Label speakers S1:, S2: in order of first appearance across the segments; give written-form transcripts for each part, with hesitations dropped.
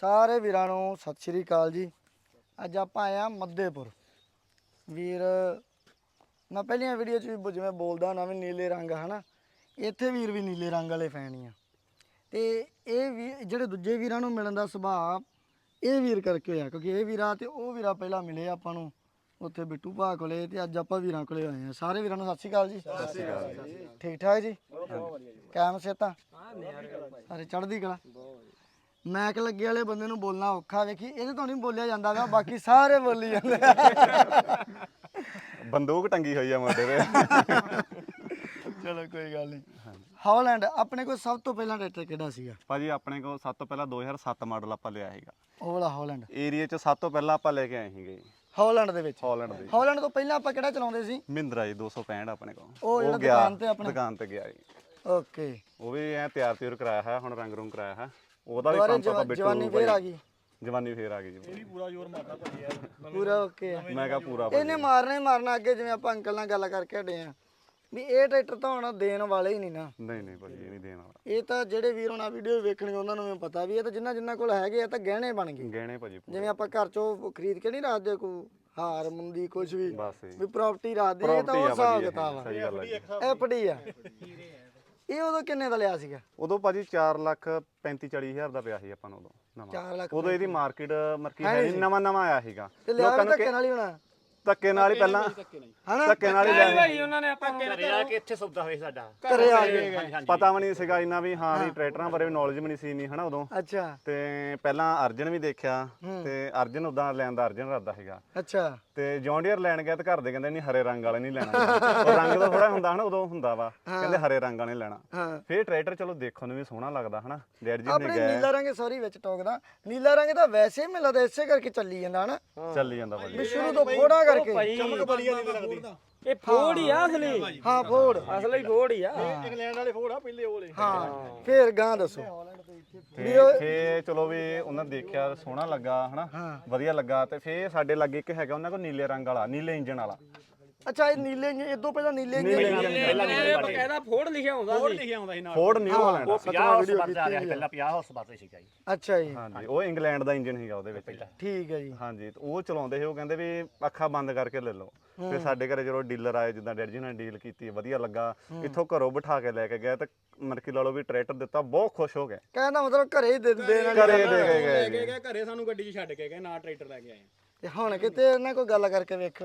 S1: ਸਾਰੇ ਵੀਰਾਂ ਨੂੰ ਸਤਿ ਸ਼੍ਰੀ ਅਕਾਲ ਜੀ। ਅੱਜ ਆਪਾਂ ਆਏ ਆ ਮੱਧੇਪੁਰ ਵੀਰ। ਮੈਂ ਪਹਿਲੀਆਂ ਵੀਡੀਓ 'ਚ ਵੀ ਜਿਵੇਂ ਬੋਲਦਾ ਨਾ ਵੀ ਨੀਲੇ ਰੰਗ ਹਨਾ, ਇੱਥੇ ਵੀਰ ਵੀ ਨੀਲੇ ਰੰਗ ਵਾਲੇ ਫੈਨ ਹੀ ਆ। ਤੇ ਇਹ ਵੀ ਜਿਹੜੇ ਦੂਜੇ ਵੀਰਾਂ ਨੂੰ ਮਿਲਣ ਦਾ ਸੁਭਾਅ ਇਹ ਵੀਰ ਕਰਕੇ ਹੋਇਆ, ਕਿਉਂਕਿ ਇਹ ਵੀਰਾ ਤੇ ਉਹ ਵੀਰਾ ਪਹਿਲਾਂ ਮਿਲੇ ਆਪਾਂ ਨੂੰ ਉੱਥੇ ਬਿੱਟੂ ਭਾ ਕੋਲੇ, ਤੇ ਅੱਜ ਆਪਾਂ ਵੀਰਾਂ ਕੋਲੇ ਆਏ ਆ। ਸਾਰੇ ਵੀਰਾਂ ਨੂੰ ਸਤਿ ਸ਼੍ਰੀ ਅਕਾਲ ਜੀ। ਸਤਿ ਸ਼੍ਰੀ ਅਕਾਲ ਜੀ। ਠੀਕ ਠਾਕ ਜੀ? ਕਾਇਮ ਸਿਹਤਾਂ? ਸਾਰੇ ਚੜ੍ਹਦੀ ਕਲਾ। ਮੈਕ ਲੱਗੇ ਵਾਲੇ ਬੰਦੇ ਨੂੰ ਬੋਲਣਾ ਔਖਾ, ਵੇਖੀ ਇਹਦੇ ਤੋਂ ਨਹੀਂ ਬੋਲਿਆ ਜਾਂਦਾ ਵਾ, ਬਾਕੀ ਸਾਰੇ ਬੋਲੀ ਜਾਂਦੇ।
S2: ਬੰਦੂਕ ਟੰਗੀ ਹੋਈ ਆ ਮੋਢੇ ਤੇ।
S1: ਚਲੋ ਕੋਈ ਗੱਲ ਨਹੀਂ। ਹੌਲੈਂਡ ਆਪਣੇ ਕੋਲ ਸਭ ਤੋਂ ਪਹਿਲਾਂ ਟਰੈਕਟਰ ਕਿਹੜਾ ਸੀਗਾ
S2: ਭਾਜੀ? ਆਪਣੇ ਕੋਲ ਸਭ ਤੋਂ ਪਹਿਲਾਂ 2007 ਮਾਡਲ ਆਪਾਂ ਲਿਆ ਸੀਗਾ।
S1: ਉਹ ਵਾਲਾ ਹੌਲੈਂਡ
S2: ਏਰੀਆ 'ਚ ਸਭ ਤੋਂ ਪਹਿਲਾਂ ਆਪਾਂ ਲੈ ਕੇ ਆਏ ਸੀਗੇ
S1: ਹੌਲੈਂਡ ਦੇ ਵਿੱਚ।
S2: ਹਾਲੈਂਡ ਦੇ
S1: ਹੌਲੈਂਡ ਤੋਂ ਪਹਿਲਾਂ ਆਪਾਂ ਕਿਹੜਾ ਚਲਾਉਂਦੇ ਸੀ?
S2: ਮਹਿੰਦਰਾ ਜੀ 265 ਆਪਣੇ ਕੋਲ।
S1: ਉਹ ਜਿਹੜਾ
S2: ਗਿਆ
S1: ਦੁਕਾਨ ਤੇ ਆਪਣੇ
S2: ਦੁਕਾਨ ਤੇ ਗਿਆ ਜੀ।
S1: ਓਕੇ।
S2: ਉਹ ਵੀ ਐ ਤਿਆਰ ਕਰਾਇਆ ਹੈ, ਹੁਣ ਰੰਗ ਰੂੰਗ ਕਰਾਇਆ ਹੈ। ਉਹਦਾ ਵੀ ਪੰਪ ਆਪਾਂ ਬਿੱਟੂ
S1: ਜਵਾਨੀ ਫੇਰ ਆ ਗਈ।
S2: ਜਵਾਨੀ ਫੇਰ ਆ ਗਈ ਜੀ। ਇਹ ਵੀ
S3: ਪੂਰਾ ਜ਼ੋਰ ਮਾਰਦਾ ਭਾਜੀ ਯਾਰ,
S1: ਪੂਰਾ ਓਕੇ।
S2: ਮੈਂ ਕਿਹਾ ਪੂਰਾ
S1: ਇਹਨੇ ਮਾਰਨਾ ਹੀ ਮਾਰਨਾ। ਅੱਗੇ ਜਿਵੇਂ ਆਪਾਂ ਅੰਕਲ ਨਾਲ ਗੱਲ ਕਰਕੇ ਹਟੇ ਆ ਵੀ ਇਹ ਟਰੈਕਟਰ ਤਾਂ ਹੁਣ ਦੇਣ ਵਾਲੇ ਹੀ ਨਹੀਂ ਨਾ।
S2: ਨਹੀਂ ਭਾਜੀ, ਇਹ ਨਹੀਂ ਦੇਣ ਵਾਲਾ।
S1: ਇਹ ਤਾਂ ਜਿਹੜੇ ਵੀਰ ਹੁਣ ਆ ਵੀਡੀਓ ਵੇਖਣਗੇ ਉਹਨਾਂ ਨੂੰ ਵੀ ਪਤਾ ਵੀ ਇਹ ਤਾਂ ਜਿੰਨਾ ਕੋਲ ਹੈਗੇ ਆ ਤਾਂ ਗਹਿਣੇ ਬਣ ਗਏ।
S2: ਗਹਿਣੇ ਭਾਜੀ
S1: ਜਿਵੇਂ ਆਪਾਂ ਘਰ ਚੋਂ ਖਰੀਦ ਕੇ ਨਹੀਂ ਰੱਖਦੇ ਕੋਈ ਹਾਰ ਮੁੰਦੀ ਕੁਝ ਵੀ,
S2: ਬਸ
S1: ਵੀ ਪ੍ਰਾਪਰਟੀ ਰੱਖਦੇ। ਇਹ ਤਾਂ ਉਹ ਹਿਸਾਬ ਕਿਤਾਬ ਆ।
S2: ਸਹੀ ਗੱਲ ਹੈ।
S1: ਐਫਡੀ ਆ। ਇਹ ਉਦੋਂ ਕਿੰਨੇ ਦਾ ਲਿਆ ਸੀਗਾ?
S2: ਉਦੋਂ ਭਾਜੀ 4,35,40,000 ਦਾ ਪਿਆ ਸੀ ਆਪਾਂ ਨੂੰ ਉਦੋਂ
S1: 4 ਲੱਖ।
S2: ਉਦੋਂ ਇਹਦੀ ਮਾਰਕੀਟ ਹੈ ਨਵਾਂ ਆਇਆ ਸੀਗਾ।
S1: ਤੇ ਲਿਆ ਵੀ ਧੱਕੇ ਨਾਲ ਹੀ ਹੋਣਾ।
S2: ਧੱਕੇ ਨਾਲ ਹੀ ਪਹਿਲਾਂ
S1: ਹਨਾ?
S2: ਧੱਕੇ ਨਾਲ ਹੀ ਲਿਆ
S3: ਭਾਈ ਉਹਨਾਂ ਨੇ ਆਪਾਂ ਘਰੇ ਆ ਕੇ ਇੱਥੇ ਸੌਦਾ ਹੋਇਆ ਸਾਡਾ।
S1: ਘਰੇ ਆ ਗਏ।
S2: ਪਤਾ ਵੀ ਨਹੀਂ ਸੀਗਾ ਇੰਨਾ ਵੀ ਹਾਂ ਵੀ ਟਰੈਕਟਰਾਂ ਬਾਰੇ ਨੌਲੇਜ ਵੀ ਨਹੀਂ ਸੀ ਇੰਨੀ ਹਨਾ ਉਦੋਂ।
S1: ਅੱਛਾ
S2: ਤੇ ਪਹਿਲਾਂ ਅਰਜਨ ਵੀ ਦੇਖਿਆ, ਤੇ ਅਰਜਨ ਉਦਾਂ ਲੈਣ ਦਾ ਅਰਜਨ ਰੱਦਾ ਸੀਗਾ।
S1: ਅੱਛਾ।
S2: ਤੇ ਜੌਂਡੀਅਰ ਲੈਣ ਗਿਆ ਤੇ ਘਰ ਦੇ ਕਹਿੰਦੇ ਨਹੀਂ ਹਰੇ ਰੰਗ ਵਾਲੇ ਨਹੀਂ ਲੈਣਾ। ਉਹ ਰੰਗ ਦਾ ਥੋੜਾ ਹੁੰਦਾ ਹਨਾ, ਉਦੋਂ ਹੁੰਦਾ ਵਾ, ਕਹਿੰਦੇ ਹਰੇ ਰੰਗ ਵਾਲੇ ਲੈਣਾ। ਫੇਰ ਟਰੈਕਟਰ ਚਲੋ ਦੇਖਣ ਨੂੰ ਵੀ ਸੋਹਣਾ ਲੱਗਦਾ ਹਨਾ। ਡੈਡ ਜੀ ਨੇ
S1: ਆਪਣੇ ਨੀਲਾ ਰੰਗ ਸੌਰੀ ਵਿੱਚ ਟੋਕਦਾ, ਨੀਲਾ ਰੰਗ ਤਾਂ ਵੈਸੇ ਹੀ ਮਿਲਦਾ ਇਸੇ ਕਰਕੇ ਚੱਲੀ ਜਾਂਦਾ ਹਨਾ।
S2: ਚੱਲੀ ਜਾਂਦਾ ਭਾਜੀ।
S1: ਵੀ ਸ਼ੁਰੂ ਤੋਂ ਫੋੜਾ ਕਰਕੇ
S3: ਚਮਕ ਬਲੀਆ ਨਹੀਂ ਲੱਗਦੀ। ਇਹ ਫੋੜ ਹੀ ਆ ਅਸਲੀ।
S1: ਹਾਂ ਫੋੜ
S3: ਅਸਲੀ ਫੋੜ ਹੀ ਆ।
S4: ਇੰਗਲੈਂਡ ਵਾਲੇ ਫੋੜ ਆ ਪਹਿਲੇ ਵਾਲੇ।
S1: ਹਾਂ ਫੇਰ ਗਾਂ ਦੱਸੋ।
S2: ਫੇ ਚਲੋ ਵੀ ਉਹਨਾਂ ਦੇਖਿਆ ਸੋਹਣਾ ਲੱਗਾ ਹਨਾ, ਵਧੀਆ ਲੱਗਾ। ਤੇ ਫੇ ਸਾਡੇ ਲਾਗੇ ਇੱਕ ਹੈਗਾ ਉਹਨਾਂ ਕੋਲ ਨੀਲੇ ਰੰਗ ਵਾਲਾ, ਨੀਲੇ ਇੰਜਨ ਵਾਲਾ।
S1: ਅੱਛਾ ਇਹ ਨੀਲੇ ਇਦੋਂ ਪਹਿਲਾਂ ਨੀਲੇ
S3: ਪਹਿਲਾਂ ਬਕਾਇਦਾ ਫੋੜ ਲਿਖਿਆ ਹੁੰਦਾ ਸੀ।
S4: ਫੋੜ ਲਿਖਿਆ ਹੁੰਦਾ ਸੀ ਨਾਲ।
S2: Ford New Holland.
S4: 50 horse power ਆ ਰਿਹਾ ਸੀ ਪਹਿਲਾਂ, 50 ਹਾਰਸ ਪਾਵਰ ਸੀਗਾ ਜੀ।
S1: ਅੱਛਾ ਜੀ।
S2: ਹਾਂਜੀ, ਉਹ ਇੰਗਲੈਂਡ ਦਾ ਇੰਜਨ ਸੀਗਾ ਉਹਦੇ ਵਿੱਚ।
S1: ਠੀਕ ਹੈ ਜੀ।
S2: ਹਾਂਜੀ, ਤੇ ਉਹ ਚਲਾਉਂਦੇ ਸੀ। ਉਹ ਕਹਿੰਦੇ ਵੀ ਅੱਖਾਂ ਬੰਦ ਕਰਕੇ ਲੈ ਲਓ। ਫਿਰ ਸਾਡੇ ਘਰੇ ਜਦੋਂ ਡੀਲਰ ਆਏ, ਜਿੱਦਾਂ ਡੈਡੀ ਜੀ ਨੇ ਡੀਲ ਕੀਤੀ, ਵਧੀਆ ਲੱਗਾ। ਇੱਥੋਂ ਘਰੋਂ ਬਿਠਾ ਕੇ ਲੈ ਕੇ ਗਿਆ ਤੇ ਮਰਕੀ ਲਾ ਲਓ ਵੀ ਟਰੈਕਟਰ ਦਿੱਤਾ, ਬਹੁਤ ਖੁਸ਼ ਹੋ ਗਏ।
S1: ਕਹਿੰਦਾ ਮਤਲਬ ਘਰੇ ਹੀ ਦੇ ਦੇਣ
S2: ਘਰੇ ਦੇ ਕੇ
S4: ਲੈ
S2: ਗਏ।
S4: ਕੇ ਗਏ ਘਰੇ, ਸਾਨੂੰ ਗੱਡੀ 'ਚ ਛੱਡ ਕੇ ਗਏ, ਨਾ ਟਰੈਕਟਰ ਲੈ ਕੇ ਆਏ।
S1: ਤੇ ਹੁਣ ਕਿਤੇ ਇਹਨਾਂ ਕੋਈ ਗੱਲ ਕਰਕੇ ਵੇਖੋ।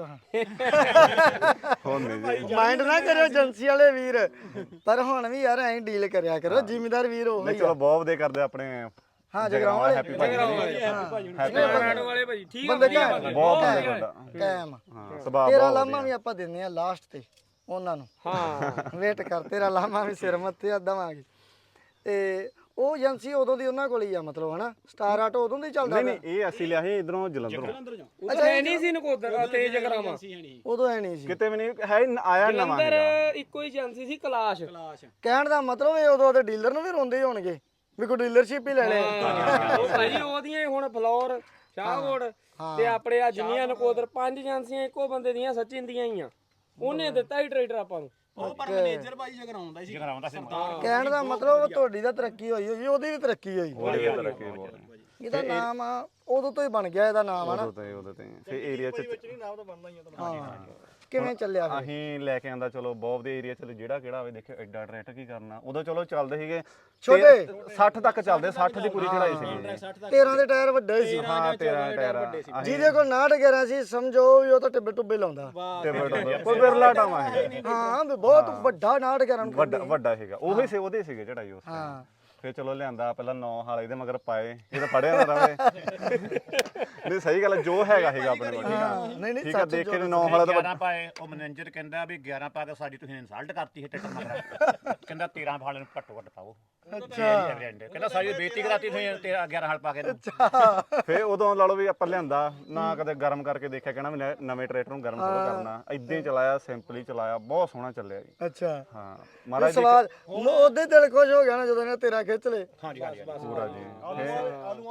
S2: ਹੁਣ ਨਹੀਂ ਜੀ।
S1: ਮਾਈਂਡ ਨਾ ਕਰਿਓ ਏਜੰਸੀ ਵਾਲੇ ਵੀਰ, ਪਰ ਹੁਣ ਵੀ ਯਾਰ ਐਂ ਡੀਲ ਕਰਿਆ ਕਰੋ। ਜ਼ਿਮੀਦਾਰ ਵੀਰ ਉਹ
S2: ਨਹੀਂ ਚਲੋ ਬਹੁਤ ਵਧੀਆ ਕਰਦੇ ਆਪਣੇ।
S1: ਹਾਂ ਜਗਰਾਉਂ ਵਾਲੇ
S2: ਹੈਪੀ ਭਾਜੀ
S3: ਰਾਣੋ ਵਾਲੇ ਭਾਜੀ ਠੀਕ ਆ।
S1: ਬੰਦੇ ਕਾਇਮ
S2: ਬਹੁਤ ਵਧੀਆ ਤੁਹਾਡਾ।
S1: ਕਾਇਮ।
S2: ਹਾਂ, ਸੁਭਾਅ
S1: ਤੇਰਾ
S2: ਬਹੁਤ
S1: ਲਾਮਾ ਵੀ ਆਪਾਂ ਦਿੰਨੇ ਆ ਲਾਸਟ ਤੇ ਉਹਨਾਂ ਨੂੰ। ਹਾਂ ਵੇਟ ਕਰ, ਤੇਰਾ ਲਾਮਾ ਵੀ ਸਿਰ ਮੱਥੇ ਆ ਦਵਾਂਗੇ। ਤੇ ਉਹ ਏਜੰਸੀ ਉਦੋਂ ਦੀ ਉਹਨਾਂ ਕੋਲ ਹੀ ਆ ਮਤਲਬ ਹਨਾ। ਸਟਾਰ ਆਟੋ ਉਦੋਂ ਦੀ ਚੱਲਦਾ।
S2: ਨਹੀਂ ਇਹ ਅਸੀਂ ਲਿਆ ਸੀ ਇਧਰੋਂ ਜਲੰਧਰੋਂ।
S3: ਅੱਛਾ ਇਹ ਨਹੀਂ ਸੀ ਨਕੋਦਰ ਤੇ ਜਗਰਾਵਾਂ।
S1: ਉਦੋਂ ਐ ਨਹੀਂ ਸੀ
S2: ਕਿਤੇ ਵੀ ਨਹੀਂ ਹੈ, ਆਇਆ ਨਵਾਂ
S3: ਜਲੰਧਰ
S2: ਹੈਗਾ।
S3: ਇੱਕੋ ਹੀ ਏਜੰਸੀ ਸੀ ਕਲਾਸ਼।
S1: ਕਹਿਣ ਦਾ ਮਤਲਬ ਇਹ ਉਦੋਂ ਦੇ ਡੀਲਰ ਨੂੰ ਵੀ ਰੋਂਦੇ ਹੋਣਗੇ ਵੀ ਕੋਈ ਡੀਲਰਸ਼ਿਪ ਹੀ ਲੈ ਲੈ।
S3: ਉਹ ਭਾਜੀ ਉਹਦੀਆਂ ਹੁਣ ਫਲੋਰ ਸ਼ਾਹਕੋਟ ਤੇ ਆਪਣੇ ਆ ਜਿੰਨੀਆਂ ਨਕੋਦਰ 5 ਏਜੰਸੀਆਂ ਇੱਕੋ ਬੰਦੇ ਦੀਆਂ ਸਚਿਨ ਦੀਆਂ ਹੀ ਆ। ਉਹਨੇ ਦਿੱਤਾ ਹੀ ਟਰੈਕਟਰ ਆਪਾਂ ਨੂੰ।
S4: ਉਹ ਪਰ ਮੈਨੇਜਰ ਭਾਈ ਜਗਰਾਉਂਦਾ ਸੀ। ਜਗਰਾਉਂਦਾ ਸੀ।
S1: ਕਹਿਣ ਦਾ ਮਤਲਬ ਤੁਹਾਡੀ ਤਾਂ ਤਰੱਕੀ ਹੋਈ ਹੋਈ, ਉਹਦੀ ਵੀ ਤਰੱਕੀ ਹੋਈ। ਇਹਦਾ ਨਾਮ ਆ ਉਦੋਂ ਤੋਂ ਹੀ ਬਣ ਗਿਆ ਇਹਦਾ ਨਾਮ ਹਨਾ।
S2: ਉਹਦੇ ਤੇ ਫੇ ਏਰੀਆ ਚ
S4: ਨਾਮ ਤਾਂ ਬਣਦਾ ਹੀ ਆ।
S1: ਹਾਂ ਕਿਵੇਂ ਚੱਲਿਆ ਫਿਰ?
S2: ਅਸੀਂ ਲੈ ਕੇ ਆਂਦਾ ਚਲੋ ਬਹੁਤ ਦੇ ਏਰੀਆ ਚ ਜਿਹੜਾ ਕਿਹੜਾ ਹੋਵੇ ਦੇਖਿਓ ਐਡਾ ਟਰੈਕਟਰ ਕੀ ਕਰਨਾ। ਉਦੋਂ ਚਲੋ ਚੱਲਦੇ ਸੀਗੇ
S1: ਛੋਟੇ
S2: 60 ਤੱਕ ਚੱਲਦੇ, 60 ਦੀ ਪੂਰੀ ਚੜਾਈ ਸੀਗੀ।
S1: 13 ਦੇ ਟਾਇਰ ਵੱਡੇ ਸੀ।
S2: ਹਾਂ 13 ਟਾਇਰ
S1: ਜਿਹਦੇ ਕੋਲ 69 11 ਸੀ ਸਮਝੋ ਵੀ ਉਹ ਤਾਂ ਟਿੱਬੇ ਟੁੱਬੇ ਲਾਉਂਦਾ।
S2: ਕੋਈ ਬਿਰਲਾ ਟਾਵਾ ਹੈ।
S1: ਹਾਂ ਵੀ ਬਹੁਤ ਵੱਡਾ 69 11
S2: ਵੱਡਾ ਸੀਗਾ। ਉਹੀ ਸੀ, ਉਹਦੇ ਸੀਗੇ ਚੜਾਈ ਉਸ
S1: ਹਾਂ।
S2: ਫਿਰ ਚਲੋ ਲਿਆਂਦਾ ਪਹਿਲਾਂ 9 ਹਾਲ ਇਹਦੇ ਮਗਰ ਪਾਏ, ਇਹ ਤਾਂ ਪੜਿਆ ਨਾ ਰਵੇ। ਨਹੀਂ ਸਹੀ ਗੱਲ, ਜੋ ਹੈਗਾ ਸੀਗਾ ਆਪਣੇ ਕੋਲ।
S1: ਨਹੀਂ ਨਹੀਂ
S2: ਠੀਕ ਆ, ਦੇਖ ਕੇ 9 ਹਾਲਾ ਤਾਂ
S4: 11 ਪਾਏ। ਉਹ ਮੈਨੇਜਰ ਕਹਿੰਦਾ ਵੀ 11 ਪਾ ਕੇ ਸਾਡੀ ਤੁਸੀਂ ਇਨਸਲਟ ਕਰਤੀ ਹੈ ਟਰੈਕਟਰ ਮਗਰ। ਕਹਿੰਦਾ 13 ਹਾਲ ਨੂੰ ਘੱਟੋ ਘੱਟ ਪਾਓ। ਕਹਿੰਦਾ ਸਾਡੀ ਬੇਇੱਜ਼ਤੀ ਕਰਾਤੀ ਤੁਸੀਂ 11 ਹਾਲ ਪਾ ਕੇ।
S2: ਫਿਰ ਉਦੋਂ ਲਾ ਲਓ ਵੀ ਆਪਾਂ ਲਿਆਂਦਾ ਨਾ, ਕਦੇ ਗਰਮ ਕਰਕੇ ਦੇਖਿਆ, ਕਹਿਣਾ ਵੀ ਨਵੇਂ ਟਰੈਕਟਰ ਨੂੰ ਗਰਮ ਥੋੜਾ ਕਰਨਾ। ਇਦਾਂ ਹੀ ਚਲਾਇਆ, ਸਿੰਪਲੀ ਚਲਾਇਆ, ਬਹੁਤ ਸੋਹਣਾ ਚੱਲਿਆ ਜੀ।
S1: ਅੱਛਾ
S2: ਹਾਂ ਮਹਾਰਾਜ
S1: ਸਵਾਦ ਉਹਦੇ ਦਿਲ ਖੁਸ਼ ਹੋ ਗਿਆ ਨਾ ਜਦੋਂ ਇਹਨੇ ਤੇਰਾ ਖਿੱਚ ਲੇ।
S4: ਹਾਂਜੀ ਹਾਂਜੀ
S2: ਪੂਰਾ ਜੀ।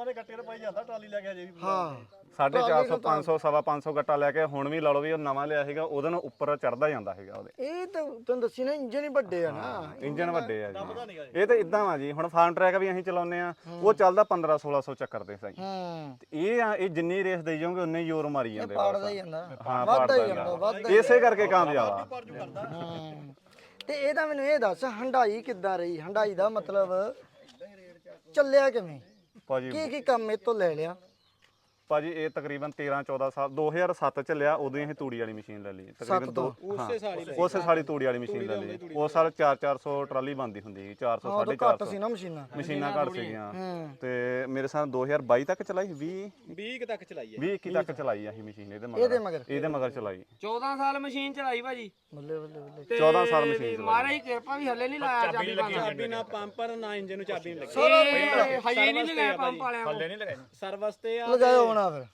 S5: ਦੇ ਗੱਟੇ ਤੇ ਪਾਈ ਜਾਂਦਾ ਟਰਾਲੀ ਲੈ ਕੇ ਅਜੇ ਵੀ
S1: ਹਾਂ
S2: 450 500 ਸਵਾ 500 ਗੱਟਾ ਲੈ ਕੇ ਹੁਣ ਵੀ ਲਾ ਲਓ ਵੀ ਉਹ ਨਵਾਂ ਲਿਆ ਸੀਗਾ ਉਹਦੇ ਨਾਲ ਉੱਪਰ ਚੜਦਾ ਜਾਂਦਾ ਸੀਗਾ ਉਹਦੇ
S1: ਇਹ ਤਾਂ ਤੁਹਾਨੂੰ ਦੱਸੀ ਨਾ ਇੰਜਨ ਹੀ ਵੱਡੇ ਆ ਨਾ
S2: ਇੰਜਨ ਵੱਡੇ ਆ ਜੀ ਇਹ ਤਾਂ ਇਦਾਂ ਵਾ ਜੀ ਹੁਣ ਫਾਰਮ ਟਰੈਕ ਵੀ ਅਸੀਂ ਚਲਾਉਂਦੇ ਆ ਉਹ ਚੱਲਦਾ 15 1600 ਚੱਕਰ ਦੇ ਸਹੀ ਇਹ ਜਿੰਨੀ ਰੇਸ ਦੇਈ ਜਾਓਗੇ ਉਨੇ ਹੀ ਜ਼ੋਰ ਮਾਰੀ ਜਾਂਦੇ
S1: ਪਾੜਦਾ ਹੀ ਜਾਂਦਾ
S2: ਹਾਂ
S1: ਵੱਧਦਾ ਹੀ
S2: ਪਾੜਦਾ
S1: ਜਾਂਦਾ ਵੱਧਦਾ
S2: ਇਸੇ ਕਰਕੇ ਕਾਮਯਾਬ ਆ
S1: ਤੇ ਇਹਦਾ ਮੈਨੂੰ ਇਹ ਦੱਸ ਹੰਡਾਈ ਕਿੱਦਾਂ ਰਹੀ ਹੰਡਾਈ ਦਾ ਮਤਲਬ ਚੱਲਿਆ ਕਿਵੇਂ
S2: ਭਾਜੀ
S1: ਕੀ ਕੰਮ ਇਹ ਤੋਂ ਲੈ ਲਿਆ
S2: ਭਾਜੀ ਇਹ ਤਕਰੀਬਨ 13 14 ਸਾਲ 2007 ਚ ਲਿਆ ਉਦੋਂ ਹੀ ਅਸੀਂ ਤੂੜੀ ਵਾਲੀ ਮਸ਼ੀਨ ਲੈ ਲਈ ਤਕਰੀਬਨ ਉਸੇ ਸਾਲੀ ਤੂੜੀ ਵਾਲੀ ਮਸ਼ੀਨ ਲੈ ਲਈ ਉਸ ਸਾਲ 400 ਟਰਾਲੀ ਬੰਦੀ ਹੁੰਦੀ ਸੀ 400
S1: ਘੱਟ
S2: 450
S1: ਸੀ ਨਾ ਮਸ਼ੀਨਾਂ
S2: ਮਸ਼ੀਨਾਂ ਘੱਟ ਸੀਗੀਆਂ ਤੇ ਮੇਰੇ ਸਾਹ 2022 ਤੱਕ ਚਲਾਈ
S5: 20 ਤੱਕ ਚਲਾਈ ਹੈ
S2: 20 21 ਤੱਕ ਚਲਾਈ ਅਸੀਂ ਮਸ਼ੀਨ ਇਹਦੇ ਮਗਰ ਚਲਾਈ
S3: 14 ਸਾਲ ਮਸ਼ੀਨ ਚਲਾਈ ਭਾਜੀ
S1: ਬੱਲੇ ਬੱਲੇ ਬੱਲੇ
S3: ਤੇ
S2: 14 ਸਾਲ ਮਸ਼ੀਨ
S3: ਮਹਾਰਾਜ ਦੀ ਕਿਰਪਾ ਵੀ ਹੱਲੇ ਨਹੀਂ ਲਾਇਆ
S5: ਚਾਬੀ ਨਾ ਪੰਪਰ ਨਾ ਇੰਜਨ ਨੂੰ ਚਾਬੀ ਨਹੀਂ ਲੱਗੀ
S3: ਹਜੇ ਨਹੀਂ ਲਗਾਇਆ ਪੰਪ ਵਾਲਿਆਂ ਕੋਲ
S4: ਥੱਲੇ ਨਹੀਂ ਲਗਾਏ
S5: ਸਰਵਿਸ ਤੇ ਆ
S1: ਲਗਾਇਓ ਹੋਣਾ ਫਿਰ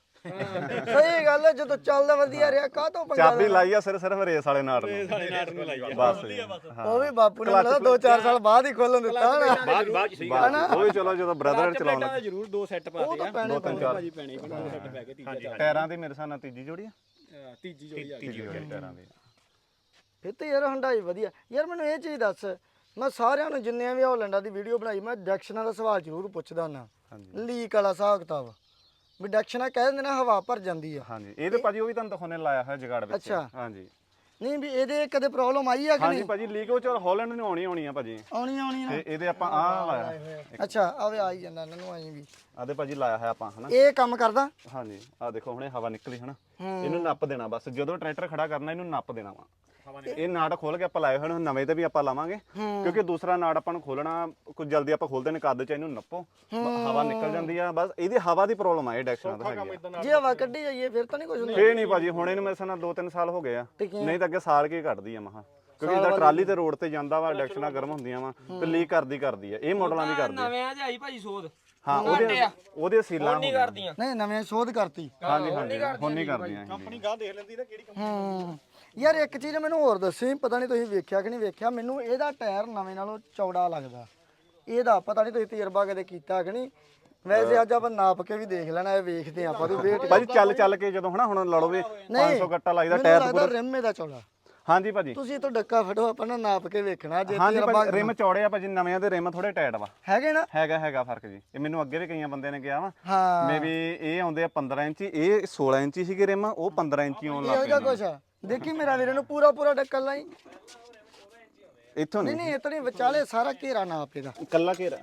S1: ਸਹੀ ਗੱਲ ਹੈ ਜਦੋਂ ਚੱਲਦਾ ਵਧੀਆ ਰਿਹਾ ਕਾਹ ਤੋਂ ਪੰਗਾ
S2: ਚਾਬੀ ਲਾਈ ਆ ਸਿਰਫ ਰੇਸ ਵਾਲੇ ਨਾਟ ਨੂੰ
S5: ਸਾਡੇ ਨਾਟ ਨੂੰ ਲਾਈ ਆ
S2: ਬਸ
S1: ਉਹ ਵੀ ਬਾਪੂ ਨੇ ਮੈਨੂੰ 2-4 ਸਾਲ ਬਾਅਦ ਹੀ ਖੋਲਣ ਦਿੱਤਾ ਹੋਣਾ
S4: ਬਾਅਦ ਸਹੀ
S2: ਉਹ ਵੀ ਚਲੋ ਜਦੋਂ ਬ੍ਰਦਰ ਚਲਾਉਣ
S5: ਤਾਂ ਜ਼ਰੂਰ ਦੋ ਸੈੱਟ ਪਾ
S1: ਉਹ
S5: ਦੇ
S1: ਤਾਂ ਪੈਣੇ
S5: ਭਾਜੀ ਪੈਣੇ ਦੋ ਸੈੱਟ ਪੈ ਕੇ ਤੀਜਾ
S2: ਟਾਇਰਾਂ ਦੀ ਮੇਰੇ ਸਾਹ ਨਾਲ ਤੀਜੀ ਜੋੜੀ ਆ
S5: ਤੀਜੀ ਜੋੜੀ ਆ
S2: ਤੀਜੀ ਜੋੜੀ ਟਾਇਰਾਂ ਦੀ
S1: ਫਿਰ ਤੇ ਯਾਰ ਹੰਡਾਈ ਵਧੀਆ ਯਾਰ ਮੈਨੂੰ ਇਹ ਚੀਜ਼ ਦੱਸ ਮੈਂ ਸਾਰਿਆਂ ਨੂੰ ਜਿੰਨੇ ਵੀ ਹੌਲੈਂਡਾਂ ਦੀ ਵੀਡੀਓ ਬਣਾਈ ਮੈਂ ਡੈਕਸ਼ਨਾਂ ਦਾ ਸਵਾਲ ਜ਼ਰੂਰ ਪੁੱਛਦਾ ਹੁੰਦਾ ਲੀਕ ਵਾਲਾ ਹਿਸਾਬ ਕਿਤਾਬ ਵੀ ਡੈਕਸ਼ਨਾਂ ਕਹਿ ਦਿੰਦੇ ਨਾ ਹਵਾ ਭਰ ਜਾਂਦੀ ਆ
S2: ਹਾਂਜੀ ਇਹ ਤੇ ਭਾਜੀ ਉਹ ਵੀ ਤੁਹਾਨੂੰ ਦਿਖਾਉਣੇ ਲਾਇਆ ਹੋਇਆ ਜਗਾੜ ਵਿੱਚ
S1: ਅੱਛਾ।
S2: ਹਾਂਜੀ
S1: ਨਹੀਂ ਵੀ ਇਹਦੇ ਕਦੇ ਪ੍ਰੋਬਲਮ ਆਈ ਆ ਕਿ
S2: ਹਾਂਜੀ
S1: ਨਹੀਂ
S2: ਭਾਜੀ ਲੀਕ ਉਹ ਚਲ ਹਾਲੈਂਡ ਨੂੰ ਆਉਣੀ ਆ ਭਾਜੀ
S1: ਆਉਣੀ ਨਾ
S2: ਤੇ ਇਹਦੇ ਆਪਾਂ ਆਹ ਲਾਇਆ
S1: ਅੱਛਾ ਆਵੇ ਆ ਹੀ ਜਾਂਦਾ ਇਹਨਾਂ ਨੂੰ ਆਈ ਵੀ
S2: ਆਦੇ ਭਾਜੀ ਲਾਇਆ ਹੋਇਆ ਆਪਾਂ ਹਨਾ
S1: ਇਹ ਕੰਮ ਕਰਦਾ
S2: ਹਾਂਜੀ ਆਹ ਦੇਖੋ ਹੁਣੇ ਹਵਾ ਨਿਕਲੀ ਹਨਾ ਇਹਨੂੰ ਨੱਪ ਦੇਣਾ ਬਸ ਜਦੋਂ ਟਰੈਕਟਰ ਖੜਾ ਕਰਨਾ ਇਹਨੂੰ ਨੱਪ ਦੇਣਾ ਵਾ ਇਹ ਨਾੜ ਖੋਲ ਕੇ ਆਪਾਂ ਲਾਏ ਹੋਏ ਨੇ ਨਵੇਂ ਤੇ ਵੀ ਆਪਾਂ ਲਾਵਾਂਗੇ ਕਿਉਂਕਿ ਦੂਸਰਾ ਨਾੜ ਆਪਾਂ ਨੂੰ ਖੋਲਣਾ ਕੁਝ ਜਲਦੀ ਆਪਾਂ ਖੋਲਦੇ ਨੇ ਕੱਦ ਚ ਇਹਨੂੰ ਨੱਪੋ ਹਵਾ ਨਿਕਲ ਜਾਂਦੀ ਆ ਬਸ ਇਹਦੀ ਹਵਾ ਦੀ ਪ੍ਰੋਬਲਮ ਆ ਇਹ ਡੈਕਸ਼ਨਾਂ ਦਾ ਹੈਗੀ ਆ
S1: ਜੇ ਹਵਾ ਕੱਢੀ ਜਾਈਏ ਫਿਰ ਤਾਂ ਨਹੀਂ ਕੁਝ ਹੁੰਦਾ
S2: ਫੇਰ ਨਹੀਂ ਭਾਜੀ ਹੁਣ ਇਹਨੂੰ ਮੇਰੇ ਨਾਲ 2-3 ਸਾਲ ਹੋ ਗਏ ਆ ਨਹੀਂ ਤਾਂ ਅੱਗੇ ਸਾਲ ਕੀ ਕੱਢਦੀ ਆ ਮਹਾ ਕਿਉਂਕਿ ਇਹਦਾ ਟਰਾਲੀ ਤੇ ਰੋਡ ਤੇ ਜਾਂਦਾ ਵਾ ਡੈਕਸ਼ਨਾਂ ਗਰਮ ਹੁੰਦੀਆਂ ਵਾ ਤੇ ਲੀਕ ਕਰਦੀ ਆ ਇਹ ਮਾਡਲਾਂ ਦੀ ਕਰਦੀ
S3: ਨਵਿਆਂ 'ਚ ਆਈ ਭਾਜੀ ਸੋਧ
S2: ਹਾਂ ਉਹਦੇ ਸੀਲਾਂ
S3: ਨਹੀਂ ਕਰਦੀਆਂ
S1: ਨਹੀਂ ਨਵੇਂ ਸ਼ੋਧ ਕਰਤੀ
S2: ਹਾਂਜੀ ਹੁਣ ਨਹੀਂ ਕਰਦੀਆਂ
S5: ਕੰਪਨੀ ਗਾਹ ਦੇਖ ਲੈਂਦੀ ਨਾ ਕਿਹੜੀ ਕੰਪਨੀ
S1: ਯਾਰ ਇੱਕ ਚੀਜ਼ ਮੈਨੂੰ ਹੋਰ ਦੱਸੀ ਪਤਾ ਨਹੀਂ ਤੁਸੀਂ ਵੇਖਿਆ ਕਿ ਨਹੀਂ ਵੇਖਿਆ ਮੈਨੂੰ ਇਹਦਾ ਟਾਇਰ ਨਵੇਂ ਨਾਲੋਂ ਚੌੜਾ ਲੱਗਦਾ ਇਹਦਾ ਪਤਾ ਨਹੀਂ ਤੁਸੀਂ ਤਜਰਬਾ ਕਦੇ ਕੀਤਾ ਕਿ ਨਹੀਂ ਵੈਸੇ ਅੱਜ ਆਪਾਂ ਨਾਪ ਕੇ ਵੀ ਦੇਖ ਲੈਣਾ ਇਹ ਵੇਖਦੇ ਆਪਾਂ ਵੀ ਵੇਟ
S2: ਭਾਜੀ ਚੱਲ ਕੇ ਜਦੋਂ ਹਨਾ ਹੁਣ ਲੜੋ ਵੀ 500 ਗੱਟਾ ਲੱਗਦਾ
S1: ਮੈਨੂੰ
S2: ਟਾਇਰ
S1: ਲੱਗਦਾ ਰਿਮ ਇਹਦਾ ਚੌੜਾ
S2: ਹਾਂਜੀ ਭਾਜੀ
S1: ਤੁਸੀਂ ਤੋਂ ਡੱਕਾ ਫੜੋ ਆਪਾਂ ਨਾ ਨਾਪ ਕੇ ਵੇਖਣਾ ਜੇ
S2: ਹਾਂਜੀ
S1: ਤਜਰਬਾ
S2: ਭਾਜੀ ਰਿਮ ਚੌੜੇ ਆ ਭਾਜੀ ਨਵਿਆਂ ਦੇ ਰਿਮ ਥੋੜੇ ਟਾਈਟ ਵਾ
S1: ਹੈਗੇ ਨਾ
S2: ਹੈਗਾ ਫਰਕ ਜੀ ਇਹ ਮੈਨੂੰ ਅੱਗੇ ਵੀ ਕਈਆਂ ਬੰਦਿਆਂ ਨੇ ਕਿਹਾ ਵਾ
S1: ਹਾਂ
S2: ਮੇਬੀ ਇਹ ਆਉਂਦੇ ਆ 15 ਇੰਚੀ ਇਹ 16 ਇੰਚੀ ਸੀਗੇ ਰਿਮ ਉਹ 15 ਇੰਚੀ ਆਉਣ
S1: ਇਹੋ
S2: ਲੱਗ
S1: ਜਿਹਾ
S2: ਪਏ
S1: ਕੁਛ ਆ ਦੇਖੀ ਮੇਰਾ ਵੀਰੇ ਨੂੰ ਪੂਰਾ ਡੱਕਾ ਲਾਈ
S2: ਇੱਥੋਂ
S1: ਨਹੀਂ ਨਹੀਂ ਇਤਨੀ ਵਿਚਾਲੇ ਸਾਰਾ ਘੇਰਾ ਨਾਪ ਇਹਦਾ
S2: ਕੱਲਾ ਘੇਰਾ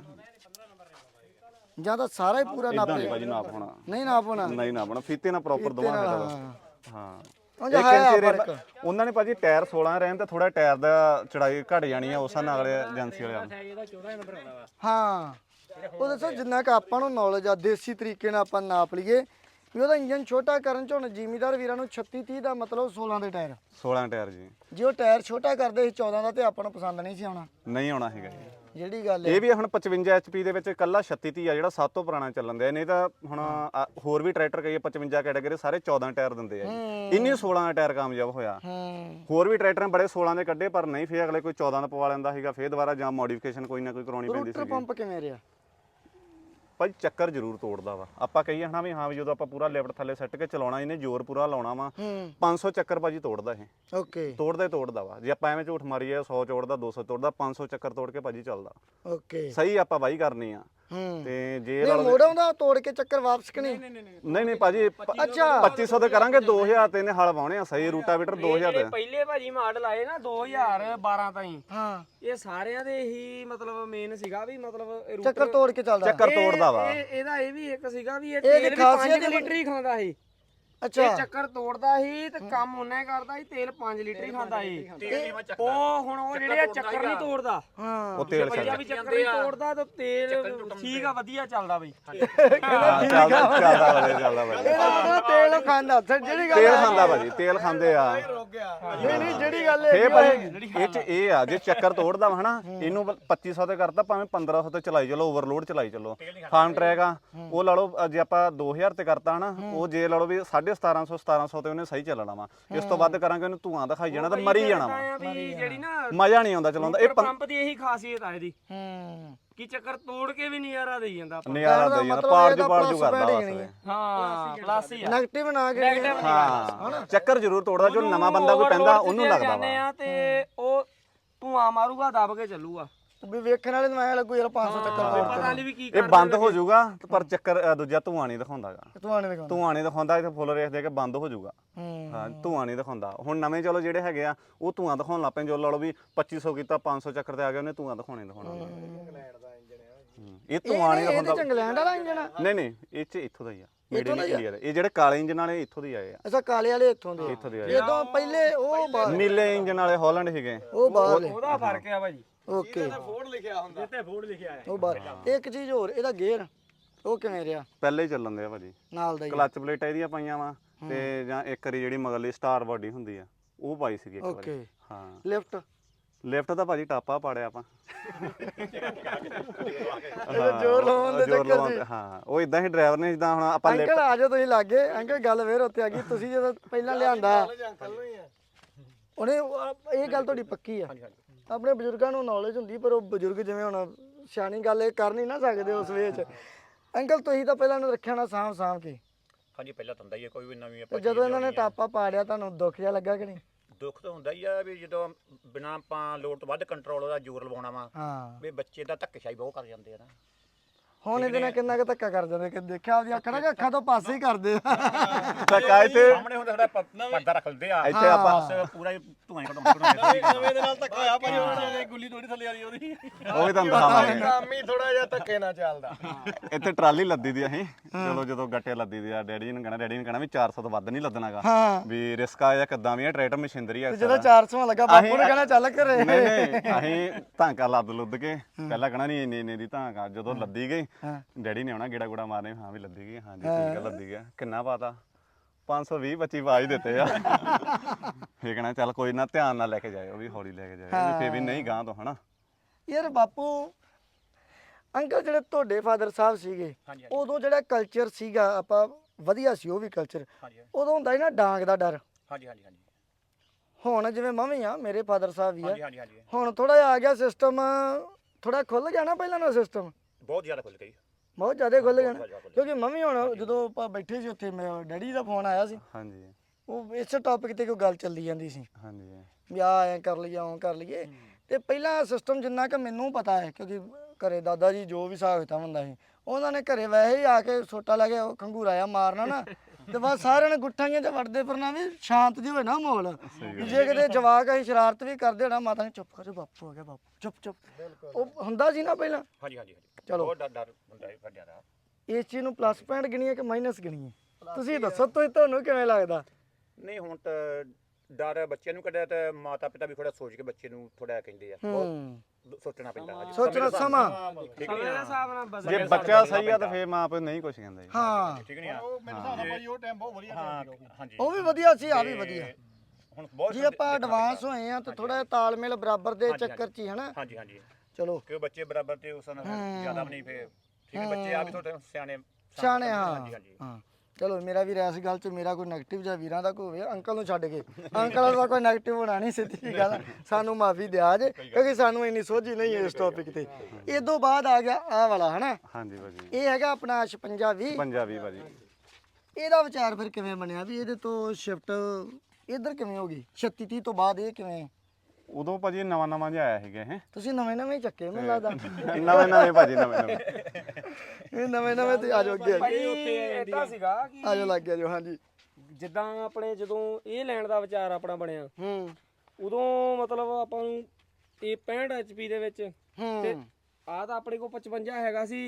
S1: ਜਾਂ ਤਾਂ ਸਾਰਾ ਹੀ ਪੂਰਾ ਨਾਪ
S2: ਇਦਾਂ ਨਹੀਂ ਭਾਜੀ ਨਾਪ ਹੋਣਾ
S1: ਨਹੀਂ ਨਾਪ ਹੋਣਾ
S2: ਨਹੀਂ ਨਾ ਬਣਾ ਫੀਤੇ ਨਾਲ ਪ੍ਰੋਪਰ ਦਵਾਂਗੇ ਚਲੋ ਹਾਂ
S1: ਉਹ ਜਿਹਾ ਹੈ
S2: ਇੱਕ ਇੰਚੀ ਉਹਨਾਂ ਨੇ ਭਾਜੀ ਟਾਇਰ 16 ਰਹਿਣ ਤੇ ਥੋੜਾ ਟਾਇਰ ਦਾ ਚੜਾਈ ਘਟ ਜਾਣੀ ਆ ਉਸ ਨਾਲ ਏਜੰਸੀ ਵਾਲਿਆਂ ਨੂੰ
S5: ਇਹਦਾ 14 ਨੰਬਰ ਆਉਣਾ ਵਾ
S1: ਹਾਂ ਉਹ ਦੱਸੋ ਜਿੰਨਾ ਕਿ ਆਪਾਂ ਨੂੰ ਨੌਲੇਜ ਆ ਦੇਸੀ ਤਰੀਕੇ ਨਾਲ ਆਪਾਂ ਨਾਪ ਲਈਏ ਵੀ ਉਹਦਾ ਇੰਜਨ ਛੋਟਾ ਕਰਨ ਚ ਹੁਣ ਜ਼ਿਮੀਦਾਰ ਵੀਰਾਂ ਨੂੰ 36 30 ਦਾ ਮਤਲਬ 16 ਦੇ ਟਾਇਰ
S2: 16 ਟਾਇਰ ਜੀ
S1: ਜੇ ਉਹ ਟਾਇਰ ਛੋਟਾ ਕਰਦੇ ਸੀ 14 ਦਾ ਤੇ ਆਪਾਂ ਨੂੰ ਪਸੰਦ ਨਹੀਂ ਸੀ ਆਉਣਾ
S2: ਨਹੀਂ ਆਉਣਾ ਹੈਗਾ ਜੀ
S1: ਜਿਹੜੀ ਗੱਲ ਹੈ
S2: ਇਹ ਵੀ ਹੁਣ 55 HP ਦੇ ਵਿੱਚ ਕੱਲਾ 36 30 ਆ ਜਿਹੜਾ ਸਭ ਤੋਂ ਪੁਰਾਣਾ ਚੱਲਣ ਦਿਆ ਨਹੀਂ ਤਾਂ ਹੁਣ ਹੋਰ ਵੀ ਟਰੈਕਟਰ ਕਈ 55 ਕੈਟਾਗਰੀ ਸਾਰੇ 14 ਟਾਇਰ ਦਿੰਦੇ ਆ ਜੀ ਇੰਨੀ 16 ਦਾ ਟਾਇਰ ਕਾਮਯਾਬ ਹੋਇਆ ਹੋਰ ਵੀ ਟਰੈਕਟਰ ਬੜੇ 16 ਦੇ ਕੱਢੇ ਪਰ ਨਹੀਂ ਫੇਰ ਅਗਲੇ ਕੋਈ 14 ਦਾ ਪਵਾ ਲੈਂਦਾ ਸੀਗਾ ਫੇਰ ਦੁਬਾਰਾ ਜਾਂ ਮੋਡੀਫਿਕੇਸ਼ਨ ਕੋਈ ਨਾ ਕੋਈ ਕਰਾਉਣੀ ਪੈਂਦੀ
S1: ਰੂਟਰ
S2: ਸੀ
S1: ਪੰਪ ਕਿਵੇਂ ਰਿਹਾ
S2: ਭਾਈ ਚੱਕਰ ਜ਼ਰੂਰ ਤੋੜਦਾ ਵਾ ਆਪਾਂ ਕਹੀਏ ਹਨਾ ਵੀ ਹਾਂ ਵੀ ਜਦੋਂ ਆਪਾਂ ਪੂਰਾ ਲਿਫਟ ਥੱਲੇ ਸੱਟ ਕੇ ਚਲਾਉਣਾ ਇਹਨੇ ਜ਼ੋਰ ਪੂਰਾ ਲਾਉਣਾ ਵਾ 500 ਚੱਕਰ ਭਾਜੀ ਤੋੜਦਾ ਇਹ
S1: ਓਕੇ
S2: ਤੋੜਦਾ ਵਾ ਜੇ ਆਪਾਂ ਐਵੇਂ ਝੂਠ ਮਾਰੀਏ 100 ਤੋੜਦਾ 200 ਤੋੜਦਾ 500 ਚੱਕਰ ਤੋੜ ਕੇ ਭਾਜੀ ਚੱਲਦਾ
S1: ਓਕੇ
S2: ਸਹੀ ਆਪਾਂ ਵਾਹੀ ਕਰਨੀ ਆ ਤੇ ਜੇ
S1: ਨਹੀਂ ਮੋੜ ਆਉਂਦਾ ਤੋੜ ਕੇ ਚੱਕਰ ਵਾਪਸ ਕਿ ਨਹੀਂ
S2: ਨਹੀਂ ਭਾਜੀ
S1: ਅੱਛਾ
S2: 2500 ਤੇ ਕਰਾਂਗੇ 2000 ਤੇ ਇਹਨੇ ਹਲ ਵਾਉਣੇ ਆ ਸਹੀ ਰੂਟਾਵੀਟਰ 2000 ਤੇ
S3: ਪਹਿਲੇ ਭਾਜੀ ਮਾਡਲ ਆਏ ਨਾ 2012 ਤਾਈਂ
S1: ਹਾਂ
S3: ਇਹ ਸਾਰਿਆਂ ਦੇ ਹੀ ਮਤਲਬ ਮੇਨ ਸੀਗਾ ਵੀ ਮਤਲਬ ਇਹ
S1: ਚੱਕਰ ਤੋੜ ਕੇ ਚੱਲਦਾ
S2: ਚੱਕਰ ਤੋੜਦਾ ਵਾ
S3: ਇਹਦਾ ਇਹ ਵੀ ਇੱਕ ਸੀਗਾ ਵੀ ਇਹ
S1: ਇਹਦੀ
S3: ਤੇਲ ਵੀ
S1: ਖਾਸੀਅਤ
S3: 5 ਲੀਟਰ ਹੀ ਖਾਂਦਾ ਸੀ
S1: ਅੱਛਾ
S3: ਇਹ ਚੱਕਰ ਤੋੜਦਾ ਸੀ ਤੇ ਕੰਮ ਉਹਨੇ ਕਰਦਾ ਸੀ ਤੇਲ 5 ਲੀਟਰ ਹੀ ਖਾਂਦਾ ਸੀ ਉਹ ਹੁਣ ਉਹ ਜਿਹੜੇ ਆ ਚੱਕਰ ਨਹੀਂ ਤੋੜਦਾ
S1: ਹਾਂ
S2: ਉਹ ਤੇਲ
S3: ਪਹਿਲਾਂ ਵੀ ਚੱਕਰ ਨਹੀਂ ਤੋੜਦਾ ਤੇ ਤੇਲ ਠੀਕ ਆ ਵਧੀਆ ਚੱਲਦਾ ਬਈ
S2: ਚੱਲਦਾ ਵਧੀਆ
S1: ਇਹਦਾ ਤੇਲ ਖਾਂਦਾ ਜਿਹੜੀ ਗੱਲ
S2: ਤੇਲ ਖਾਂਦਾ ਭਾਜੀ ਤੇਲ ਖਾਂਦੇ ਆ
S1: ਨਹੀਂ ਜਿਹੜੀ ਗੱਲ ਹੈ
S2: ਇਹ ਭਾਜੀ ਇਹ ਚ ਇਹ ਆ ਜੇ ਚੱਕਰ ਤੋੜਦਾ ਵਾ ਹਨਾ ਇਹਨੂੰ 2500 ਤੇ ਕਰਤਾ ਭਾਵੇਂ 1500 ਤੇ ਚਲਾਈ ਚਲੋ ਓਵਰਲੋਡ ਚਲਾਈ ਚਲੋ ਫਾਰਮ ਟਰੈਕ ਆ ਉਹ ਲਾ ਲਓ ਜੇ ਆਪਾਂ 2000 ਤੇ ਕਰਤਾ ਹਨਾ ਉਹ ਜੇ ਲਾ ਲਓ ਵੀ 1750 ਤੇ ਉਹਨੇ ਸਹੀ ਚੱਲਣਾ ਵਾ ਇਸ ਤੋਂ ਵੱਧ ਕਰਾਂਗੇ ਉਹਨੂੰ ਧੂਆਂ ਦਿਖਾਈ ਜਾਣਾ ਤੇ ਮਰੀ ਜਾਣਾ ਵਾ
S3: ਵੀ ਜਿਹੜੀ ਨਾ
S2: ਮਜ਼ਾ ਨਹੀਂ ਆਉਂਦਾ ਚਲਾਉਂਦਾ ਇਹ
S3: ਪੰਪ ਦੀ ਇਹੀ ਖਾਸੀਅਤ ਆ ਇਹਦੀ ਕੀ ਚੱਕਰ ਤੋੜ ਕੇ ਵੀ ਨਜ਼ਾਰਾ ਦੇਈ ਜਾਂਦਾ ਆਪਾਂ
S2: ਨਜ਼ਾਰਾ
S1: ਦਾ
S2: ਦਾ ਯਾਰ
S1: ਮਤਲਬ
S2: ਪਾਰ
S1: ਇਹਦਾ
S2: ਜੂ ਪਾਰ ਜੂ
S1: plus
S2: ਕਰਦਾ
S1: bad
S2: ਬਸ
S1: ਹੀ ਨਹੀਂ
S2: ਇਹ।
S3: ਹਾਂ ਪਲੱਸ ਹੀ ਆ
S1: ਨੈਗੇਟਿਵ ਨਾ ਕੇ
S3: Negative
S2: ਹਾਂ ਚੱਕਰ ਜ਼ਰੂਰ ਤੋੜਦਾ ਜੋ ਨਵਾਂ ਬੰਦਾ ਕੋਈ ਪੈਂਦਾ ਉਹਨੂੰ ਲੱਗਦਾ
S3: ਜਾਂਦੇ
S2: ਵਾ
S3: ਆ ਤੇ ਉਹ ਧੂਆਂ ਮਾਰੂਗਾ ਦਬ ਕੇ ਚੱਲੂਗਾ
S1: ਵੀ ਵੇਖਣ ਵਾਲੇ ਨੂੰ ਐ ਲੱਗੂ ਯਾਰ 500 ਚੱਕਰ
S3: ਪਤਾ ਨਹੀਂ ਵੀ ਕੀ
S2: ਇਹ ਬੰਦ ਹੋ ਜਾਊਗਾ ਪਰ ਚੱਕਰ ਦੂਜਾ ਧੂਆਂ ਨਹੀਂ ਦਿਖਾਉਂਦਾਗਾ
S1: ਤੂੰ ਆਣੇ ਦਿਖਾਉਂਦਾ
S2: ਧੂਆਂ ਨਹੀਂ ਦਿਖਾਉਂਦਾ ਇੱਥੇ ਫੁੱਲ ਰੇਸ ਦੇ ਕੇ ਬੰਦ ਹੋ ਜਾਊਗਾ
S1: ਹੂੰ
S2: ਹਾਂ ਧੂਆਂ ਨਹੀਂ ਦਿਖਾਉਂਦਾ ਹੁਣ ਨਵੇਂ ਚਲੋ ਜਿਹੜੇ ਹੈਗੇ ਆ ਉਹ ਧੂਆਂ ਦਿਖਾਉਣ ਲੱਗ ਪਏ ਜੋ ਲਾ ਲਓ ਵੀ 2500 ਕੀਤਾ 500 ਚੱਕਰ ਤੇ ਆ ਗਿਆ ਉਹਨੇ ਧੂਆਂ ਦਿਖਾਉਣੇ ਇਹ ਧੂਆਂ ਨਹੀਂ
S1: ਇਹ
S2: ਦਿਖਾਉਂਦਾ
S1: ਇੰਗਲੈਂਡ ਵਾਲਾ ਇੰਜਣ ਆ
S2: ਨਹੀਂ ਨਹੀਂ ਇਹ ਚ ਇੱਥੋਂ ਦਾ ਹੀ ਆ ਮੇਡ ਇਨ ਇੰਡੀਆ ਇਹ ਜਿਹੜੇ ਕਾਲੇ ਇੰਜਨ ਵਾਲੇ ਇੱਥੋਂ ਦੇ ਆਏ ਆ
S1: ਅੱਛਾ ਕਾਲੇ ਵਾਲੇ ਇੱਥੋਂ ਦੇ
S2: ਇੱਥੋਂ ਦੇ ਆਏ
S1: ਜਦੋਂ ਪਹਿਲੇ ਉਹ ਬਾਹਰ
S2: ਨੀਲੇ ਇੰਜਨ ਵਾਲੇ ਹਾਲੈਂਡ ਸੀਗੇ
S1: ਉਹ ਬਾਹਰ
S3: ਉਹਦਾ ਫਰਕ ਆ ਭਾਜੀ
S1: ਓਕੇ
S5: ਫੋਰਡ ਲਿਖਿਆ ਹੁੰਦਾ ਇੱਥੇ ਫੋਰਡ ਲਿਖਿਆ ਹੈ
S1: ਉਹ ਬਾਹਰ ਇੱਕ ਚੀਜ਼ ਹੋਰ ਇਹਦਾ ਗੇਅਰ ਉਹ ਕਿਵੇਂ ਰਿਹਾ
S2: ਪਹਿਲੇ ਹੀ ਚੱਲਣ ਦੇ ਆ ਭਾਜੀ
S1: ਨਾਲ ਦਾ ਹੀ
S2: ਕਲੱਚ ਪਲੇਟਾਂ ਇਹਦੀਆਂ ਪਾਈਆਂ ਵਾ ਤੇ ਜਾਂ ਇੱਕ ਵਾਰੀ ਜਿਹੜੀ ਮਗਰਲੀ ਸਟਾਰ ਬਾਡੀ ਹੁੰਦੀ ਆ ਉਹ ਪਾਈ ਸੀਗੀ ਇੱਕ ਵਾਰੀ
S1: ਓਕੇ
S2: ਹਾਂ
S1: ਲਿਫਟ
S2: ਲਿਫਟ ਤਾਂ ਭਾਜੀ ਟਾਪਾ ਪਾੜਿਆ ਆਪਾਂ
S1: ਜ਼ੋਰ ਲਾਉਣ ਦੇ
S2: ਜ਼ੋਰ
S1: ਚੱਕਰ
S2: ਲਾਉਣ ਤੇ, ਹਾਂ ਉਹ ਇਦਾਂ ਹੀ ਡਰਾਈਵਰ ਨੇ ਜਿੱਦਾਂ ਹੁਣ ਆਪਾਂ ਲਿਫਟ
S1: ਅੰਕਲ ਆ ਜਾਓ ਤੁਸੀਂ ਲਾਗੇ ਅੰਕਲ ਗੱਲ ਫੇਰ ਉੱਤੇ ਆ ਗਈ ਤੁਸੀਂ ਜਦੋਂ ਪਹਿਲਾਂ ਲਿਆਂਦਾ ਉਹਨੇ ਇਹ ਗੱਲ ਤੁਹਾਡੀ ਪੱਕੀ ਆ ਆਪਣੇ ਬਜ਼ੁਰਗਾਂ ਨੂੰ ਨੌਲੇਜ ਹੁੰਦੀ ਪਰ ਉਹ ਬਜ਼ੁਰਗ ਜਿਵੇਂ ਹੁਣ ਸਿਆਣੀ ਗੱਲ ਇਹ ਕਰ ਨਹੀਂ ਨਾ ਸਕਦੇ ਉਸ ਵੇਚ ਅੰਕਲ ਤੁਸੀਂ ਤਾਂ ਪਹਿਲਾਂ ਨੂੰ ਰੱਖਿਆ ਨਾ ਸਾਂਭ ਕੇ
S4: ਹਾਂਜੀ ਪਹਿਲਾਂ ਤਾਂ ਹੁੰਦਾ ਹੀ ਹੈ ਕੋਈ ਵੀ ਨਵੀਂ
S1: ਤੇ
S4: ਆਪਾਂ
S1: ਜਦੋਂ ਇਹਨਾਂ ਨੇ ਟਾਪਾ ਪਾੜਿਆ ਤੁਹਾਨੂੰ ਦੁੱਖ ਜਿਹਾ ਲੱਗਾ ਕਿ ਨਹੀਂ
S4: ਦੁੱਖ ਤਾਂ ਹੁੰਦਾ ਹੀ ਆ ਵੀ ਜਦੋਂ ਬਿਨਾਂ ਆਪਾਂ ਲੋਡ ਤੋਂ ਵੱਧ ਕੰਟਰੋਲ ਦਾ ਜ਼ੋਰ ਲਵਾਉਣਾ ਵਾ
S1: ਹਾਂ
S4: ਵੀ ਬੱਚੇ ਦਾ ਧੱਕੇਸ਼ਾਹੀ ਬਹੁਤ ਕਰ ਜਾਂਦੇ ਆ ਨਾ
S1: ਹੁਣ ਇਹਦੇ ਨਾਲ ਕਿੰਨਾ ਕੁ ਧੱਕਾ ਕਰ ਜਾਂਦੇ ਕਿ ਦੇਖਿਆ ਆਪਦੀ ਅੱਖਾਂ ਨਾਲ ਕਿ ਅੱਖਾਂ ਤੋਂ ਪਾਸੇ ਹੀ ਕਰਦੇ ਆ
S2: ਧੱਕਾ ਇੱਥੇ
S4: ਸਾਹਮਣੇ ਹੁੰਦਾ ਸਾਡਾ ਪਰਦਾ ਰੱਖ ਲੈਂਦੇ ਆ
S2: ਇੱਥੇ ਆਪਾਂ
S4: ਬਸ ਪੂਰਾ ਹੀ ਧੂਆਂ ਹੀ ਕਢਾਉਂਦੇ
S5: ਨਵੇਂ ਦੇ ਨਾਲ ਧੱਕਾ ਹੋਇਆ ਭਾਜੀ ਹੁਣ ਗੁੱਲੀ ਥੋੜੀ ਥੱਲੇ ਵਾਲੀ ਉਹਦੀ
S2: ਉਹ ਵੀ ਤੁਹਾਨੂੰ ਦਿਖਾਵਾਂਗੇ
S5: ਕੰਮ ਹੀ ਥੋੜਾ ਜਿਹਾ ਧੱਕੇ ਨਾਲ ਚੱਲਦਾ
S2: ਇੱਥੇ ਟਰਾਲੀ ਲੱਦੀ ਦੀ ਅਸੀਂ ਜਦੋਂ ਗੱਟੇ ਲੱਦੀ ਦੀ ਆ ਡੈਡੀ ਨੂੰ ਕਹਿਣਾ ਵੀ 400 ਤੋਂ ਵੱਧ ਨਹੀਂ ਲੱਦਣਾਗਾ
S1: ਹਾਂ
S2: ਵੀ ਰਿਸਕ ਆ ਜਾਂ ਕਿੱਦਾਂ ਵੀ ਆ ਟਰੈਕਟਰ ਮਸ਼ੀਨਰੀ ਆ
S1: ਜਦੋਂ 400 ਲੱਗਾ ਬਾਪੂ ਨੇ ਕਹਿਣਾ ਚੱਲ ਘਰੇ
S2: ਨਹੀਂ ਨਹੀਂ ਅਸੀਂ ਧਾਂਕਾ ਲੱਦ ਲੁੱਦ ਕੇ ਪਹਿਲਾਂ ਕਹਿਣਾ ਨਹੀਂ ਇੰਨੇ ਦੀ ਧਾਂਕਾ ਜਦੋਂ ਲੱਦੀ ਗਈ ਡੈਡੀ ਨੇ ਆਉਣਾ ਗੇੜਾ ਗੁੜਾ ਮਾਰਨੇ ਹਾਂ ਵੀ ਲੱਦੀ ਗਈ ਹਾਂਜੀ ਠੀਕ ਆ ਲੱਦੀ ਗਿਆ ਕਿੰਨਾ ਪਾਤਾ 520 25 ਆਵਾਜ਼ ਦਿੱਤੇ ਆ ਫੇਰ ਕਹਿਣਾ ਚੱਲ ਕੋਈ ਨਾ ਧਿਆਨ ਨਾਲ ਲੈ ਕੇ ਜਾਇਓ ਵੀ ਹੌਲੀ ਲੈ ਕੇ ਜਾਇਓ ਫੇਰ ਵੀ ਨਹੀਂ ਗਾਂ ਤੋਂ ਹਨਾ
S1: ਯਾਰ ਬਾਪੂ ਅੰਕਲ ਜਿਹੜੇ ਤੁਹਾਡੇ ਫਾਦਰ ਸਾਹਿਬ ਸੀਗੇ ਉਦੋਂ ਜਿਹੜਾ ਕਲਚਰ ਸੀਗਾ ਆਪਾਂ ਵਧੀਆ ਸੀ ਉਹ ਵੀ ਕਲਚਰ ਉਦੋਂ ਹੁੰਦਾ ਸੀ ਨਾ ਡਾਂਗ ਦਾ ਡਰ
S4: ਹਾਂਜੀ ਹਾਂਜੀ ਹਾਂਜੀ
S1: ਹੁਣ ਜਿਵੇਂ ਮੰਮੀ ਆ ਮੇਰੇ ਫਾਦਰ ਸਾਹਿਬ ਵੀ
S4: ਹਾਂਜੀ
S1: ਆ
S4: ਹਾਂਜੀ ਹਾਂਜੀ
S1: ਹੁਣ ਥੋੜਾ ਜਿਹਾ ਆ ਗਿਆ ਸਿਸਟਮ ਥੋੜਾ ਖੁੱਲ ਗਿਆ ਨਾ ਪਹਿਲਾਂ ਨਾਲ ਸਿਸਟਮ
S4: ਬਹੁਤ ਜ਼ਿਆਦਾ ਖੁੱਲ ਗਈ
S1: ਬਹੁਤ ਜ਼ਿਆਦਾ ਖੁੱਲ ਗਿਆ ਨਾ ਕਿਉਂਕਿ ਮੰਮੀ ਹੁਣ ਜਦੋਂ ਆਪਾਂ ਬੈਠੇ ਸੀ ਉੱਥੇ ਮੇਰੇ ਡੈਡੀ ਦਾ ਫੋਨ ਆਇਆ ਸੀ
S2: ਹਾਂਜੀ
S1: ਉਹ ਇਸੇ ਟੌਪਿਕ ਤੇ ਕੋਈ ਗੱਲ ਚੱਲੀ ਜਾਂਦੀ ਸੀ
S2: ਹਾਂਜੀ
S1: ਵੀ ਆ ਐ ਕਰ ਲਈਏ ਉਹ ਕਰ ਲਈਏ ਤੇ ਪਹਿਲਾਂ ਸਿਸਟਮ ਜਿੰਨਾ ਕਿ ਮੈਨੂੰ ਪਤਾ ਹੈ ਕਿਉਂਕਿ ਘਰੇ ਦਾਦਾ ਜੀ ਜੋ ਵੀ ਹਿਸਾਬ ਕਿਤਾਬ ਹੁੰਦਾ ਸੀ ਉਹਨਾਂ ਨੇ ਘਰੇ ਵੈਸੇ ਹੀ ਆ ਕੇ ਸੋਟਾ ਲੈ ਕੇ ਖੰਗੂਰਾ ਆ ਮਾਰਨਾ ਨਾ ਤੇ ਬਸ ਸਾਰਿਆਂ ਨੇ ਗੁੱਠਾਈਆਂ 'ਚ ਵੜਦੇ ਫਿਰਨਾ ਵੀ ਸ਼ਾਂਤ ਜਿਹੀ ਹੋਏ ਨਾ ਮਾਹੌਲ ਵੀ ਜੇ ਕਿਤੇ ਜਵਾਕ ਅਸੀਂ ਸ਼ਰਾਰਤ ਵੀ ਕਰਦੇ ਹੋਣਾ ਮਾਤਾ ਨੇ ਚੁੱਪ ਕਰੋ ਬਾਪੂ ਹੋ ਗਿਆ ਬਾਪੂ ਚੁੱਪ ਉਹ ਹੁੰਦਾ ਸੀ ਨਾ ਪਹਿਲਾਂ
S4: ਹਾਂਜੀ ਹਾਂਜੀ
S1: ਚਲੋ।
S4: ਬਹੁਤ ਡਰ ਹੁੰਦਾ ਹੈ ਵੱਡਿਆਂ ਦਾ
S1: ਇਸ ਚੀਜ਼ ਨੂੰ ਪਲੱਸ ਪੁਆਇੰਟ ਗਿਣੀਏ ਕਿ ਮਾਈਨਸ ਗਿਣੀਏ ਤੁਸੀਂ ਦੱਸੋ ਤੁਹਾਨੂੰ ਕਿਵੇਂ ਲੱਗਦਾ
S4: ਨਹੀਂ ਹੁਣ ਤਾਂ ਡਰ ਬੱਚਿਆਂ ਨੂੰ ਕੱਢਿਆ ਤੇ ਮਾਤਾ ਪਿਤਾ ਵੀ ਥੋੜਾ ਸੋਚ ਕੇ ਬੱਚੇ ਨੂੰ ਥੋੜਾ ਕਹਿੰਦੇ ਆ ਬਹੁਤ ਸੋਚਣਾ ਪੈਂਦਾ ਹਾਂਜੀ
S1: ਸੋਚਣਾ ਸਮਾਂ
S4: ਠੀਕ
S3: ਸਮੇਂ ਦੇ ਹਿਸਾਬ ਨਾਲ ਬਦਲ
S2: ਜੇ ਬੱਚਾ ਸਹੀ ਆ ਤਾਂ ਫੇਰ ਮਾਂ ਪਿਓ ਨਹੀਂ ਕੁਝ ਕਹਿੰਦਾ ਜੀ
S1: ਹਾਂ
S4: ਠੀਕ ਨਹੀਂ ਆ
S5: ਮੇਰੇ ਹਿਸਾਬ ਨਾਲ ਭਾਜੀ ਉਹ ਟਾਈਮ ਬਹੁਤ ਵਧੀਆ
S4: ਹਾਂ ਹਾਂਜੀ
S1: ਉਹ ਵੀ ਵਧੀਆ ਸੀ ਆ ਵੀ ਵਧੀਆ
S4: ਹੁਣ ਬਹੁਤ
S1: ਜੇ ਆਪਾਂ ਐਡਵਾਂਸ ਹੋਏ ਆ ਤਾਂ ਥੋੜਾ ਤਾਲਮੇਲ ਬਰਾਬਰ ਦੇ ਚੱਕਰ 'ਚ ਹੀ ਹਨਾ
S4: ਹਾਂਜੀ ਹਾਂਜੀ
S1: ਚਲੋ
S4: ਕਿ ਬੱਚੇ ਬਰਾਬਰ ਤੇ ਉਸ ਨਾਲ ਜ਼ਿਆਦਾ ਵੀ ਨਹੀਂ ਫੇ ਠੀਕ ਹੈ ਬੱਚੇ ਆ ਵੀ ਥੋੜੇ ਸਿਆਣੇ
S1: ਸਿਆਣੇ ਹਾਂ
S4: ਹਾਂਜੀ ਹਾਂਜੀ
S1: ਹਾਂ ਚਲੋ ਮੇਰਾ ਵੀ ਇਸ ਗੱਲ 'ਚ ਮੇਰਾ ਕੋਈ 네ਗੇਟਿਵ ਜਾਂ ਵੀਰਾਂ ਦਾ ਕੋਈ ਹੋਵੇ ਅੰਕਲ ਨੂੰ ਛੱਡ ਕੇ ਅੰਕਲ ਦਾ ਕੋਈ 네ਗੇਟਿਵ ਹੋਣਾ ਨਹੀਂ ਸਿੱਧੀ ਗੱਲ ਸਾਨੂੰ ਮਾਫੀ ਦਿਆ ਜੇ ਕਿਉਂਕਿ ਸਾਨੂੰ ਇੰਨੀ ਸੋਝੀ ਨਹੀਂ ਹੈ ਇਸ ਟੌਪਿਕ ਤੇ ਇਹ ਤੋਂ ਬਾਅਦ ਆ ਗਿਆ ਆਹ ਵਾਲਾ ਹਨਾ
S2: ਹਾਂਜੀ ਭਾਜੀ
S1: ਇਹ ਹੈਗਾ ਆਪਣਾ 56
S2: ਪੰਜਾਬੀ ਭਾਜੀ
S1: ਇਹਦਾ ਵਿਚਾਰ ਫਿਰ ਕਿਵੇਂ ਬਣਿਆ ਵੀ ਇਹਦੇ ਤੋਂ ਸ਼ਿਫਟ ਇੱਧਰ ਕਿਵੇਂ ਹੋ ਗਈ 36 30 ਤੋਂ ਬਾਅਦ ਇਹ ਕਿਵੇਂ
S2: ਉਦੋਂ ਭਾਜੀ ਨਵਾਂ ਜਿਹਾ ਆਇਆ ਸੀਗਾ ਇਹ
S1: ਤੁਸੀਂ ਨਵੇਂ ਹੀ ਚੱਕੇ ਮੈਨੂੰ ਲੱਗਦਾ
S2: ਨਵੇਂ ਭਾਜੀ ਨਵੇਂ
S1: ਇਹ ਨਵੇਂ ਤੇ ਆ ਜਾਓ ਅੱਗੇ
S3: ਭਾਈ ਏਦਾਂ ਸੀਗਾ ਕਿ
S1: ਆ ਜਾਓ ਲੱਗ ਗਿਆ ਜੋ ਹਾਂਜੀ
S3: ਜਿੱਦਾਂ ਆਪਣੇ ਜਦੋਂ ਇਹ ਲੈਣ ਦਾ ਵਿਚਾਰ ਆਪਣਾ ਬਣਿਆ ਉਦੋਂ ਮਤਲਬ ਆਪਾਂ ਨੂੰ ਇਹ 65 HP ਦੇ ਵਿੱਚ ਤੇ ਆ ਤਾਂ ਆਪਣੇ ਕੋਲ 55 ਹੈਗਾ ਸੀ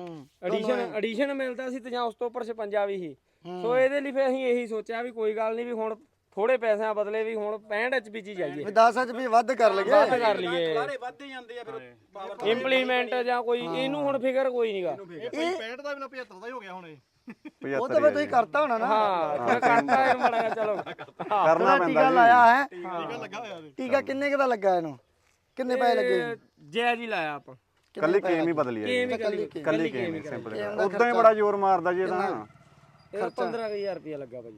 S3: ਐਡੀਸ਼ਨ ਮਿਲਦਾ ਸੀ ਤੇ ਜਾਂ ਉਸ ਤੋਂ ਉੱਪਰ 56 ਵੀ ਸੀ ਸੋ ਇਹਦੇ ਲਈ ਫਿਰ ਅਸੀਂ ਇਹੀ ਸੋਚਿਆ ਵੀ ਕੋਈ ਗੱਲ ਨਹੀਂ ਵੀ ਹੁਣ ਥੋੜੇ ਪੈਸਿਆਂ ਬਦਲੇ ਵੀ ਹੁਣ 65 HP ਚ ਜਾਈਏ
S1: ਵੀ 10 HP ਵੱਧ ਕਰ ਲਈਏ
S3: ਵੱਧ ਕਰ ਲਈਏ
S5: ਵੱਧਦੇ ਜਾਂਦੇ ਆ ਫਿਰ
S3: ਇੰਪਲੀਮੈਂਟ ਜਾਂ ਕੋਈ ਇਹਨੂੰ ਹੁਣ ਫਿਕਰ ਕੋਈ ਨਹੀਂਗਾ
S5: ਇਹ 65 ਦਾ ਵੀ ਨਾ 75 ਦਾ ਹੀ ਹੋ ਗਿਆ ਹੁਣ ਇਹ
S1: ਉਹ ਤਾਂ ਫਿਰ ਤੁਸੀਂ ਕਰਤਾ ਹੋਣਾ ਨਾ
S3: ਹਾਂ ਥੋੜਾ ਕਰਤਾ ਇਹ ਮਾੜਾ ਜਿਹਾ ਚਲੋ
S2: ਕਰਨਾ
S1: ਟੀਕਾ
S2: ਪੈਂਦਾ
S1: ਲਾਇਆ ਹੈ
S5: ਟੀਕਾ ਲੱਗਾ ਹੋਇਆ ਉਹਦੇ
S1: ਟੀਕਾ ਕਿੰਨੇ ਕੁ ਦਾ ਲੱਗਾ ਇਹਨੂੰ ਕਿੰਨੇ ਪੈਸੇ ਲੱਗੇ
S3: ਜੈ ਜੀ ਲਾਇਆ ਆਪਾਂ
S2: ਕੱਲੀ ਕੇਮ ਹੀ ਬਦਲੀ ਹੈ
S3: ਕੇਮ
S2: ਕੱਲੀ ਕੇਮ ਹੀ ਸਿੰਪਲ ਉਦਾਂ ਹੀ ਬੜਾ ਜ਼ੋਰ ਮਾਰਦਾ ਜੀ ਇਹਦਾ
S3: ਇਹ 15000 ਰੁਪਇਆ ਲੱਗਾ ਭਾਜੀ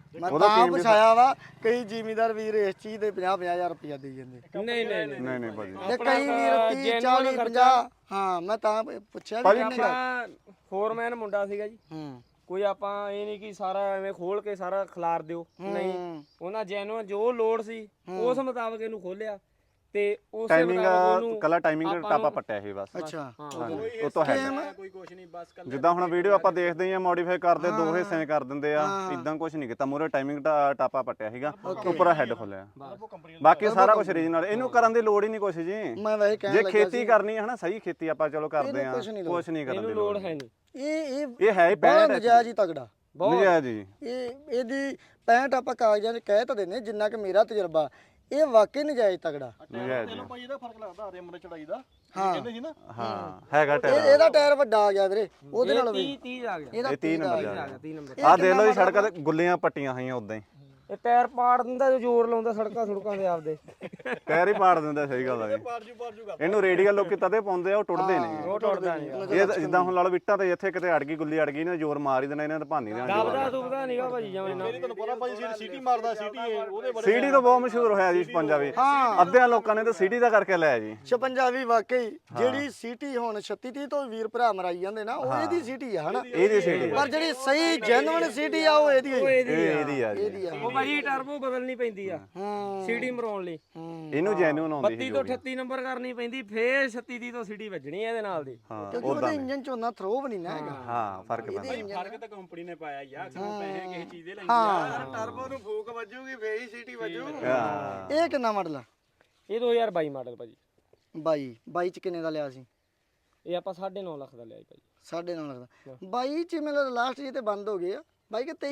S1: ਮੈਂ ਤਾਂ ਪੁੱਛਾਇਆ ਵਾ ਕਈ ਜ਼ਿਮੀਦਾਰ ਵੀਰ ਇਸ ਚੀਜ਼ ਦੇ 50,000 ਰੁਪਇਆ ਦੇ ਜਾਂਦੇ
S3: ਨਹੀਂ ਨਹੀਂ ਨਹੀਂ
S2: ਨਹੀਂ ਨਹੀਂ ਭਾਜੀ
S1: ਤੇ ਕਈ ਵੀਰ 30 40 50 ਹਾਂ ਮੈਂ ਤਾਂ ਪੁੱਛਿਆ ਵੀ ਕਿੰਨੇ ਦਾ
S3: ਆਪਾਂ ਫੋਰਮੈਨ ਮੁੰਡਾ ਸੀਗਾ ਜੀ ਕੋਈ ਆਪਾਂ ਇਹ ਨਹੀਂ ਕਿ ਸਾਰਾ ਐਵੇਂ ਖੋਲ ਕੇ ਸਾਰਾ ਖਿਲਾਰ ਦਿਓ ਨਹੀਂ ਉਹਨਾਂ ਜੈਨੂਅਨ ਜੋ ਲੋਡ ਸੀ ਉਸ ਮੁਤਾਬਕ ਇਹਨੂੰ ਖੋਲਿਆ ਤੇ ਉਸੇ
S2: ਟਾਈਮਿੰਗ
S3: ਮੁਤਾਬਕ ਉਹਨੂੰ
S2: ਕੱਲਾ ਟਾਈਮਿੰਗ ਟਾਪਾ ਪੱਟਿਆ ਇਹ ਬਸ
S1: ਅੱਛਾ
S2: ਉਹ ਤਾਂ ਹੈ
S5: ਕੋਈ ਕੁਛ ਨਹੀਂ ਬਸ
S2: ਜਿੱਦਾਂ ਹੁਣ ਵੀਡੀਓ ਆਪਾਂ ਦੇਖਦੇ ਹਾਂ ਮੋਡੀਫਾਈ ਕਰਦੇ ਦੋ ਹਿੱਸੇ ਕਰ ਦਿੰਦੇ ਆ ਇਦਾਂ ਕੁਝ ਨਹੀਂ ਕੀਤਾ ਮੂਰੇ ਟਾਈਮਿੰਗ ਟਾਪਾ ਪੱਟਿਆ ਸੀਗਾ ਉੱਪਰ ਹੈਡ ਖੋਲਿਆ ਬਾਕੀ ਸਾਰਾ ਕੁਝ ਰੀਜਨਲ ਇਹਨੂੰ ਕਰਨ ਦੀ ਲੋੜ ਹੀ ਨਹੀਂ ਕੁਛ ਜੀ
S1: ਮੈਂ ਵੈਸੇ ਕਹਿਣ
S2: ਜੇ
S1: ਲੱਗਾ
S2: ਖੇਤੀ ਕਰਨੀ ਹੈ ਹਨਾ ਸਹੀ ਖੇਤੀ ਆਪਾਂ ਚਲੋ ਕਰਦੇ ਆ
S1: ਕੁਛ ਨਹੀਂ
S2: ਕੁਝ ਨਹੀਂ ਕਰਨ ਦੀ
S3: ਇਹਨੂੰ
S2: ਲੋੜ
S3: ਲੋਡ ਹੈ ਨਹੀਂ
S1: ਇਹ
S2: ਇਹ ਹੈ ਹੀ
S1: ਬੜਾ
S2: 65
S1: ਨਜਾਇਜ਼ ਹੀ ਤਗੜਾ
S2: ਨਜਾਇਜ਼ ਜੀ
S1: ਇਹਦੀ 65 ਆਪਾਂ ਕਾਗਜ਼ਾਂ 'ਚ ਕਹਿ ਤਾਂ ਦਿੰਦੇ ਜਿੰਨਾ ਕਿ ਮੇਰਾ ਤਜਰਬਾ ਇਹ ਵਾਕਈ ਨਜਾਇਜ਼ ਤਗੜਾ
S2: ਨਜਾਇਜ਼ ਜੀ
S5: ਭਾਈ ਇਹਦਾ ਫਰਕ ਲੱਗਦਾ ਰਿਮ ਦੇ ਚੜਾਈ ਦਾ
S1: ਹਾਂ
S5: ਕਹਿੰਦੇ ਸੀ ਨਾ
S2: ਹਾਂ ਹੈਗਾ ਟਾਇਰ
S1: ਇਹਦਾ ਟਾਇਰ ਵੱਡਾ ਆ ਗਿਆ ਵੀਰੇ ਉਹਦੇ ਨਾਲ
S3: 30 ਆ ਗਿਆ
S1: ਇਹਦਾ
S2: ਇਹ 30 ਨੰਬਰ
S3: ਆ
S2: ਜਾ
S3: ਗਿਆ 30 ਨੰਬਰ
S2: ਆ ਦੇਖ ਲਓ ਜੀ ਸੜਕਾਂ ਤੇ ਗੁੱਲੀਆਂ ਪੱਟੀਆਂ ਹੋਈਆਂ ਉਦਾਂ ਹੀ
S3: ਇਹ ਟਾਇਰ ਪਾੜ ਦਿੰਦਾ ਜੋ ਜ਼ੋਰ ਲਾਉਂਦਾ ਸੜਕਾਂ ਦੇ ਆਪਦੇ
S2: ਟਾਇਰ ਹੀ ਪਾੜ ਦਿੰਦਾ ਸਹੀ ਗੱਲ ਆ ਜੀ ਇਹਨੂੰ ਰੇਡੀਅਲ ਲੋਕੀ ਤਦੇ ਪਾਉਂਦੇ ਆ ਉਹ ਟੁੱਟਦੇ ਨੇ
S3: ਉਹ ਟੁੱਟਦਾ ਨਹੀਂ
S2: ਇਹ ਜਿੱਦਾਂ ਹੁਣ ਲਾ ਲਓ ਵਿਟਾਂ ਤੇ ਇੱਥੇ ਕਿਤੇ ਅੜ ਗਈ ਗੁੱਲੀ ਅੜ ਗਈ ਨੇ ਜ਼ੋਰ ਮਾਰ ਹੀ ਦੇਣਾ ਇਹਨਾਂ ਤੇ ਭਾਨੀ ਦੇਣਾ
S3: ਦਬਦਾ ਦੁਬਦਾ ਨਹੀਂਗਾ ਭਾਜੀ ਜਮੇ ਨਾ
S5: ਤੁਹਾਨੂੰ ਪਤਾ ਭਾਈ ਸਿਟੀ ਮਾਰਦਾ ਸਿਟੀ ਉਹਦੇ
S2: ਸੀਡੀ ਤੋਂ ਬਹੁਤ ਮਸ਼ਹੂਰ ਹੋਇਆ ਜੀ ਪੰਜਾਬੀ ਅੱਧਿਆਂ ਲੋਕਾਂ ਨੇ ਤਾਂ ਸੀਡੀ ਦਾ ਕਰਕੇ ਲਿਆ ਜੀ
S1: 56 ਵੀ ਵਾਕਈ ਜਿਹੜੀ ਸੀਟੀ ਹੁਣ 36 30 ਤੋਂ ਵੀਰ ਭਰਾ ਮਰਾਈ ਜਾਂਦੇ ਨਾ ਉਹ ਇਹਦੀ ਸੀਟੀ ਆ ਹਨਾ
S2: ਇਹਦੀ ਸੀਡੀ
S1: ਪਰ ਜਿਹੜੀ ਸਹੀ ਜੈਨੂਇਨ ਸੀਟੀ ਆ ਉਹ ਇਹਦੀ ਹੈ
S2: ਇਹਦੀ ਆ ਜੀ
S1: ਇਹਦੀ ਆ
S3: ਉਹ ਭਾਜੀ ਟਰਬੋ ਬਦਲਣੀ ਪੈਂਦੀ ਆ ਸੀਡੀ ਮਰਾਉਣ ਲਈ
S2: ਇਹਨੂੰ ਜੈਨੂਨ ਆਉਂਦੀ
S3: 32 ਤੋਂ 38 ਨੰਬਰ ਕਰਨੀ ਪੈਂਦੀ ਫੇਰ 36 ਦੀ ਤੋਂ ਸੀਡੀ ਵੱਜਣੀ ਇਹਦੇ ਨਾਲ ਦੀ
S2: ਹਾਂ
S1: ਕਿਉਂਕਿ ਉਹਦੇ ਇੰਜਨ ਚ ਉਹਨਾਂ ਥਰੋ ਵੀ ਨਹੀਂ ਨਾ ਹੈਗਾ
S2: ਹਾਂ ਫਰਕ ਪੈਂਦਾ
S5: ਫਰਕ ਤਾਂ ਕੰਪਨੀ ਨੇ ਪਾਇਆ ਯਾਰ ਸਾਨੂੰ ਪੈਸੇ ਕਿਸੇ ਚੀਜ਼ ਦੇ ਲੈਂਦੇ ਆ ਟਰਬੋ ਨੂੰ ਫੂਕ ਵੱਜੂਗੀ ਫੇਰ ਹੀ ਸਿਟੀ ਵੱਜੂਗੀ
S2: ਹਾਂ
S1: ਇਹ ਕਿੰਨਾ ਮਾਡਲ ਆ
S3: ਇਹ 2022 ਮਾਡਲ ਭਾਜੀ
S1: 22 ਚ ਕਿੰਨੇ ਦਾ ਲਿਆ ਸੀ
S3: ਇਹ ਆਪਾਂ 9.5 ਲੱਖ ਦਾ ਲਿਆ ਜੀ ਭਾਜੀ
S1: 9.5 ਲੱਖ ਦਾ 22 ਚ ਮੈਨੂੰ ਲਾਸਟ ਜੀ ਤੇ ਬੰਦ ਹੋ ਗਏ ਆ ਬਾਈ ਕਿ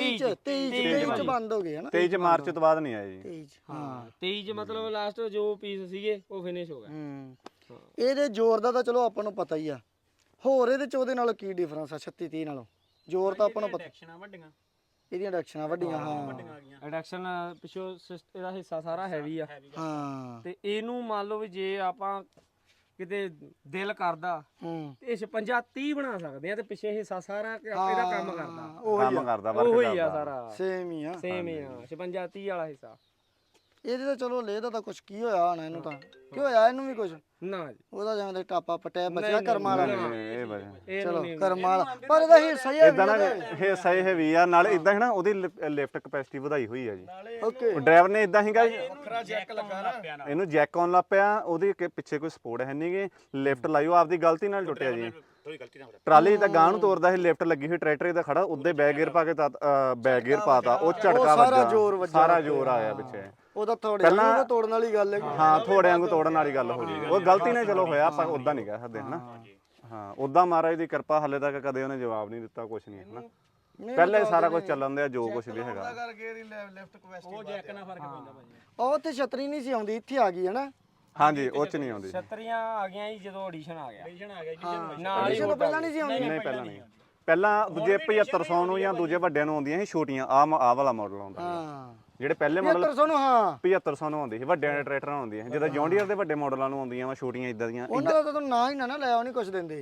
S1: 23 ਚ ਬੰਦ ਹੋ ਗਏ ਹਨਾ
S2: 23 ਮਾਰਚ ਤੋਂ ਬਾਅਦ ਨਹੀਂ ਆਇਆ ਜੀ
S1: 23 ਚ ਹਾਂ
S3: 23 ਚ ਮਤਲਬ ਲਾਸਟ ਜੋ ਪੀਸ ਸੀਗੇ ਉਹ ਫਿਨਿਸ਼ ਹੋ ਗਏ
S1: ਇਹਦੇ ਜ਼ੋਰ ਦਾ ਤਾਂ ਚਲੋ ਆਪਾਂ ਨੂੰ ਪਤਾ ਹੀ ਆ ਹੋਰ ਇਹਦੇ ਚ ਉਹਦੇ ਨਾਲ ਕੀ ਡਿਫਰੈਂਸ ਆ 36 30 ਨਾਲੋਂ ਜ਼ੋਰ ਤਾਂ ਆਪਾਂ ਨੂੰ ਪਤਾ
S5: ਐਕਸ਼ਨਾਂ ਵੱਡੀਆਂ
S1: ਇਹਦੀਆਂ ਡਾਇਰੈਕਸ਼ਨਾਂ ਵੱਡੀਆਂ ਹਾਂ
S3: ਰਿਡਕਸ਼ਨ ਪਿਛੋ ਇਹਦਾ ਹਿੱਸਾ ਸਾਰਾ ਹੈਵੀ ਆ
S1: ਹਾਂ
S3: ਤੇ ਇਹਨੂੰ ਮੰਨ ਲਓ ਵੀ ਜੇ ਆਪਾਂ ਕਿਤੇ ਦਿਲ ਕਰਦਾ ਤੇ 56 30 ਬਣਾ ਸਕਦੇ ਆ ਤੇ ਪਿੱਛੇ ਹਿੱਸਾ ਸਾਰਾ ਇਹਦਾ ਕੰਮ ਕਰਦਾ
S2: ਕੰਮ ਕਰਦਾ ਵਰਕ
S3: ਉਹੀ ਆ
S2: ਕਰਦਾ
S3: ਸਾਰਾ
S1: ਸੇਮ ਹੀ ਆ
S3: ਸੇਮ ਹੀ ਆ 56 30 ਵਾਲਾ ਹਿੱਸਾ
S1: ਇਹਦੇ ਤਾਂ ਚਲੋ ਲੈ ਦਾ ਤਾਂ ਕੁਝ ਕੀ ਹੋਇਆ ਹੋਣਾ ਇਹਨੂੰ ਤਾਂ ਕੀ ਹੋਇਆ ਇਹਨੂੰ ਵੀ ਕੁਝ
S3: ਨਾ ਜੀ
S1: ਉਹਦਾ ਜਿਵੇਂ ਦੇ ਟਾਪਾ ਪਟਿਆ ਬਚਿਆ ਕਰਮਾਂ ਵਾਲਾ
S2: ਇਹ ਵਜ੍ਹਾ
S3: ਇਹ
S1: ਚਲੋ
S3: ਨਹੀਂ
S1: ਕਰਮਾਂ ਵਾਲਾ ਪਰ ਇਹਦਾ ਹਿੱਸਾ ਹੀ ਹੈ
S2: ਇਦਾਂ ਨਾ ਇਹ ਸਹੀ ਹੈ ਵੀ ਆ ਨਾਲ ਇਦਾਂ ਹੈ ਨਾ ਉਹਦੀ ਲਿਫਟ ਕਪੈਸਿਟੀ ਵਧਾਈ ਹੋਈ ਆ ਜੀ
S1: ਓਕੇ
S2: ਡਰਾਈਵਰ ਨੇ ਇਦਾਂ ਹੀਗਾ
S5: ਵੱਖਰਾ ਜੈਕ ਲੱਗਾ ਨਾ
S2: ਇਹਨੂੰ ਜੈਕ ਆਨ ਲੱਗ ਪਿਆ ਉਹਦੇ ਪਿੱਛੇ ਕੋਈ ਸਪੋਰਟ ਹੈ ਨਹੀਂਗੇ ਲਿਫਟ ਲਾਈਓ ਆਪਦੀ ਗਲਤੀ ਨਾਲ ਟੁੱਟਿਆ ਜੀ
S4: ਥੋੜੀ ਗਲਤੀ ਨਾਲ
S2: ਟਰਾਲੀ ਤਾਂ ਗਾਂ ਨੂੰ ਤੋਰਦਾ ਸੀ ਲਿਫਟ ਲੱਗੀ ਹੋਈ ਟਰੈਕਟਰ ਇਹਦਾ ਖੜਾ ਉੱਦੇ ਬੈਕ ਗੇਅਰ ਪਾ ਕੇ ਬੈਕ ਗੇਅਰ ਪਾਤਾ ਉਹ ਝਟਕਾ
S1: ਸਾਰਾ ਜ਼ੋਰ
S2: ਵੱਜਾ
S1: ਵੱਜਾ
S2: ਸਾਰਾ ਜ਼ੋਰ ਆਇਆ ਪਿੱਛੇ
S1: ਉਹਦਾ ਥੋੜੇ ਨੂੰ ਤੋੜਨ ਵਾਲੀ ਗੱਲ ਹੈ
S2: ਹਾਂ ਥੋੜਿਆਂ ਨੂੰ ਤੋੜਨ ਵਾਲੀ ਗੱਲ ਹੋ ਗਈ ਉਹ ਗਲਤੀ ਨਾਲ ਚਲੋ ਹੋਇਆ ਆਪਾਂ ਉਦਾਂ ਨਹੀਂ ਕਹਿ ਸਕਦੇ ਹਨਾ ਹਾਂ ਉਦਾਂ ਮਹਾਰਾਜ ਦੀ ਕਿਰਪਾ ਹਲੇ ਤੱਕ ਕਦੇ ਉਹਨੇ ਜਵਾਬ ਨਹੀਂ ਦਿੱਤਾ ਕੁਝ ਨਹੀਂ ਹਨਾ ਪਹਿਲੇ ਸਾਰਾ ਕੁਝ ਚੱਲਣ ਦਿਆ ਜੋ ਕੁਝ ਵੀ ਹੈਗਾ
S5: ਕਰਕੇ ਇਹਦੀ ਲੈਫਟ ਕੁਐਸਟੀ ਉਹ ਜੈਕ ਨਾਲ ਫਰਕ ਪੈਂਦਾ ਭਾਜੀ
S1: ਉਹ ਤੇ ਛਤਰੀ ਨਹੀਂ ਸੀ ਆਉਂਦੀ ਇੱਥੇ ਆ ਗਈ ਹੈ ਨਾ
S2: ਹਾਂਜੀ ਉਹ ਚ ਨਹੀਂ ਆਉਂਦੀ
S3: ਛਤਰੀਆਂ ਆ ਗਈਆਂ ਜੀ ਜਦੋਂ ਆਡੀਸ਼ਨ ਆ ਗਿਆ
S5: ਐਡੀਸ਼ਨ ਆ ਗਿਆ ਜੀ
S3: ਨਾਲ ਹੀ
S1: ਤੋਂ ਪਹਿਲਾਂ ਨਹੀਂ ਸੀ ਆਉਂਦੀ
S2: ਨਹੀਂ ਪਹਿਲਾਂ ਨਹੀਂ ਪਹਿਲਾਂ ਦੂਜੇ 7500 ਨੂੰ ਜਾਂ ਦੂਜੇ ਵੱਡਿਆਂ ਨੂੰ ਆਉਂਦੀਆਂ ਸੀ ਛੋਟੀਆਂ ਆਹ ਵਾਲਾ ਮਾਡਲ ਆਉਂਦਾ
S1: ਹਾਂ
S2: ਜਿਹੜੇ ਪਹਿਲੇ ਮਾਡਲ
S1: 7500 ਨੂੰ ਹਾਂ
S2: 7500 ਨੂੰ ਆਉਂਦੀ ਸੀ ਵੱਡਿਆਂ ਦੇ ਟਰੈਕਟਰਾਂ ਨੂੰ ਆਉਂਦੀਆਂ ਸੀ ਜਦੋਂ ਜੌਂਡੀਅਰ ਦੇ ਵੱਡੇ ਮਾਡਲਾਂ ਨੂੰ ਆਉਂਦੀਆਂ ਵਾ ਛੋਟੀਆਂ ਇਦਾਂ ਦੀਆਂ
S1: ਉਹਨਾਂ ਦਾ ਤਾਂ ਤੂੰ ਨਾ ਹੀ ਨਾ ਲੈ ਆਉ ਨਹੀਂ ਕੁਝ ਦਿੰਦੇ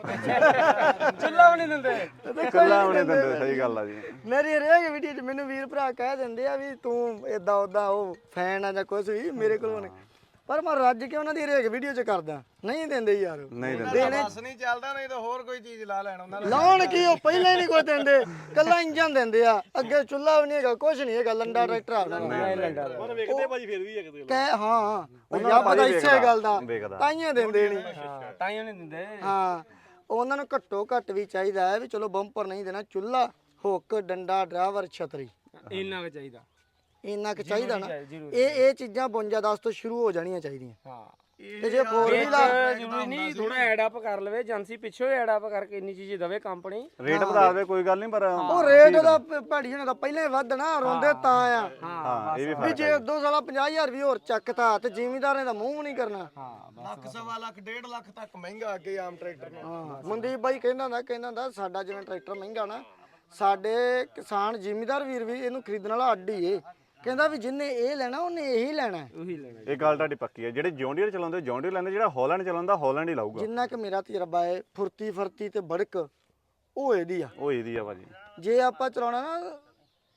S3: ਚੁੱਲਾ ਵੀ ਨਹੀਂ ਦਿੰਦੇ
S2: ਕੱਲਾ ਉਹਨੇ ਦਿੰਦੇ ਸਹੀ ਗੱਲ ਆ ਜੀ
S1: ਮੇਰੀ ਹਰੇਕ ਵੀਡੀਓ 'ਚ ਮੈਨੂੰ ਵੀਰ ਭਰਾ ਕਹਿ ਦਿੰਦੇ ਆ ਵੀ ਤੂੰ ਇਦਾਂ ਉਦਾਂ ਉਹ ਫੈਨ ਆ ਜਾਂ ਕੁਝ ਵੀ ਮੇਰੇ ਕੋਲੋਂ ਨਹੀਂ ਪਰ ਮੈਂ ਰੱਜ ਕੇ ਉਹਨਾਂ ਦੀ ਹਰੇਕ ਵੀਡੀਓ 'ਚ ਕਰਦਾ ਨਹੀਂ ਦਿੰਦੇ ਯਾਰ
S2: ਨਹੀਂ ਦਿੰਦੇ
S5: ਬਸ ਨਹੀਂ ਚੱਲਦਾ ਨਹੀਂ ਤਾਂ ਹੋਰ ਕੋਈ ਚੀਜ਼ ਲਾ ਲੈਣ ਉਹਨਾਂ
S1: ਲਾਉਣ ਕੀ ਉਹ ਪਹਿਲਾਂ ਹੀ ਨਹੀਂ ਕੋਈ ਦਿੰਦੇ ਕੱਲਾ ਇੰਜਨ ਦਿੰਦੇ ਆ ਅੱਗੇ ਚੁੱਲਾ ਵੀ ਨਹੀਂ ਹੈਗਾ ਕੁਝ ਨਹੀਂ ਹੈਗਾ ਲੰਡਾ ਟਰੈਕਟਰ ਆ ਉਹਨਾਂ ਦਾ
S5: ਪਰ ਵੇਖਦੇ ਭਾਜੀ ਫਿਰ ਵੀ ਇੱਕ
S1: ਕਹਿ ਹਾਂ ਉਹ ਪਤਾ ਇਸੇ ਗੱਲ ਦਾ
S2: ਵੇਖਦਾ
S1: ਤਾਈਆਂ ਦਿੰਦੇ ਨਹੀਂ
S3: ਹਾਂ ਤਾਂ ਹੀ ਨਹੀਂ ਦਿੰਦੇ
S1: ਹਾਂ ਉਹਨਾਂ ਨੂੰ ਘੱਟੋ ਘੱਟ ਵੀ ਚਾਹੀਦਾ ਹੈ ਵੀ ਚਲੋ ਬੰਪਰ ਨਹੀਂ ਦੇਣਾ ਚੁੱਲਾ ਹੁੱਕ ਡੰਡਾ ਡਰਾਈਵਰ ਛਤਰੀ
S3: ਇੰਨਾ ਕੁ ਚਾਹੀਦਾ
S1: ਇੰਨਾ ਕੁ ਚਾਹੀਦਾ ਨਾ
S3: ਜ਼ਰੂਰੀ।
S1: ਇਹ ਚੀਜ਼ਾਂ 52 10 ਤੋਂ ਸ਼ੁਰੂ ਹੋ ਜਾਣੀਆਂ ਚਾਹੀਦੀਆਂ
S3: ਹਾਂ
S1: ਤੇ ਜੇ 4 ਵੀ ਲਾ
S3: ਜ਼ਰੂਰੀ ਨਹੀਂ ਥੋੜਾ ਐਡ ਅਪ ਕਰ ਲਵੇ ਏਜੰਸੀ ਪਿੱਛੋਂ ਐਡ ਅਪ ਕਰਕੇ ਇੰਨੀ ਚੀਜ਼ ਦਵੇ ਕੰਪਨੀ
S2: ਰੇਟ ਵਧਾ ਦੇਵੇ ਕੋਈ ਗੱਲ ਨਹੀਂ ਪਰ
S1: ਉਹ ਰੇਟ ਦਾ ਭੈੜੀ ਹੋਣਾ ਦਾ ਪਹਿਲਾਂ ਹੀ ਵਧਣਾ ਰੋਂਦੇ ਤਾਂ ਆ
S2: ਹਾਂ ਇਹ ਵੀ
S1: ਵੀ
S2: ਫਰਕ
S1: ਜੇ 2 ਸਾਲਾ 50000 ਵੀ ਹੋਰ ਚੱਕਤਾ ਤੇ ਜ਼ਿਮੀਦਾਰਾਂ ਦਾ ਮੂੰਹ ਨਹੀਂ ਕਰਨਾ
S5: ਲੱਖ ਸਵਾ ਲੱਖ 1.5 ਲੱਖ ਤੱਕ ਮਹਿੰਗਾ ਅੱਗੇ ਆਮ ਟਰੈਕਟਰ ਨਾਲ
S1: ਮਨਦੀਪ ਬਾਈ ਕਹਿੰਦਾ ਸਾਡਾ ਜਿਵੇਂ ਟਰੈਕਟਰ ਮਹਿੰਗਾ ਨਾ ਸਾਡੇ ਕਿਸਾਨ ਜ਼ਿਮੀਦਾਰ ਵੀਰ ਵੀ ਇਹਨੂੰ ਖਰੀਦਣ ਵਾਲਾ ਅੱਡ ਹੀ ਏ ਕਹਿੰਦਾ ਵੀ ਜਿੰਨੇ ਇਹ ਲੈਣਾ ਉਹਨੇ ਇਹੀ ਲੈਣਾ
S3: ਉਹੀ ਲੈਣਾ
S2: ਇਹ ਗੱਲ ਤੁਹਾਡੀ ਪੱਕੀ ਹੈ ਜਿਹੜੇ ਜੌਂਡੀਅਰ ਚਲਾਉਂਦੇ ਜੌਂਡੀਅਰ ਲੈਂਦੇ ਜਿਹੜਾ ਹਾਲੈਂਡ ਚਲਾਉਂਦਾ ਹਾਲੈਂਡ ਹੀ ਲਾਊਗਾ
S1: ਜਿੰਨਾ ਕਿ ਮੇਰਾ ਤਜਰਬਾ ਹੈ ਫੁਰਤੀ ਫਰਤੀ ਤੇ ਬੜਕ ਉਹ ਇਹਦੀ ਆ
S2: ਉਹ ਇਹਦੀ ਆ ਭਾਜੀ
S1: ਜੇ ਆਪਾਂ ਚਲਾਉਣਾ ਨਾ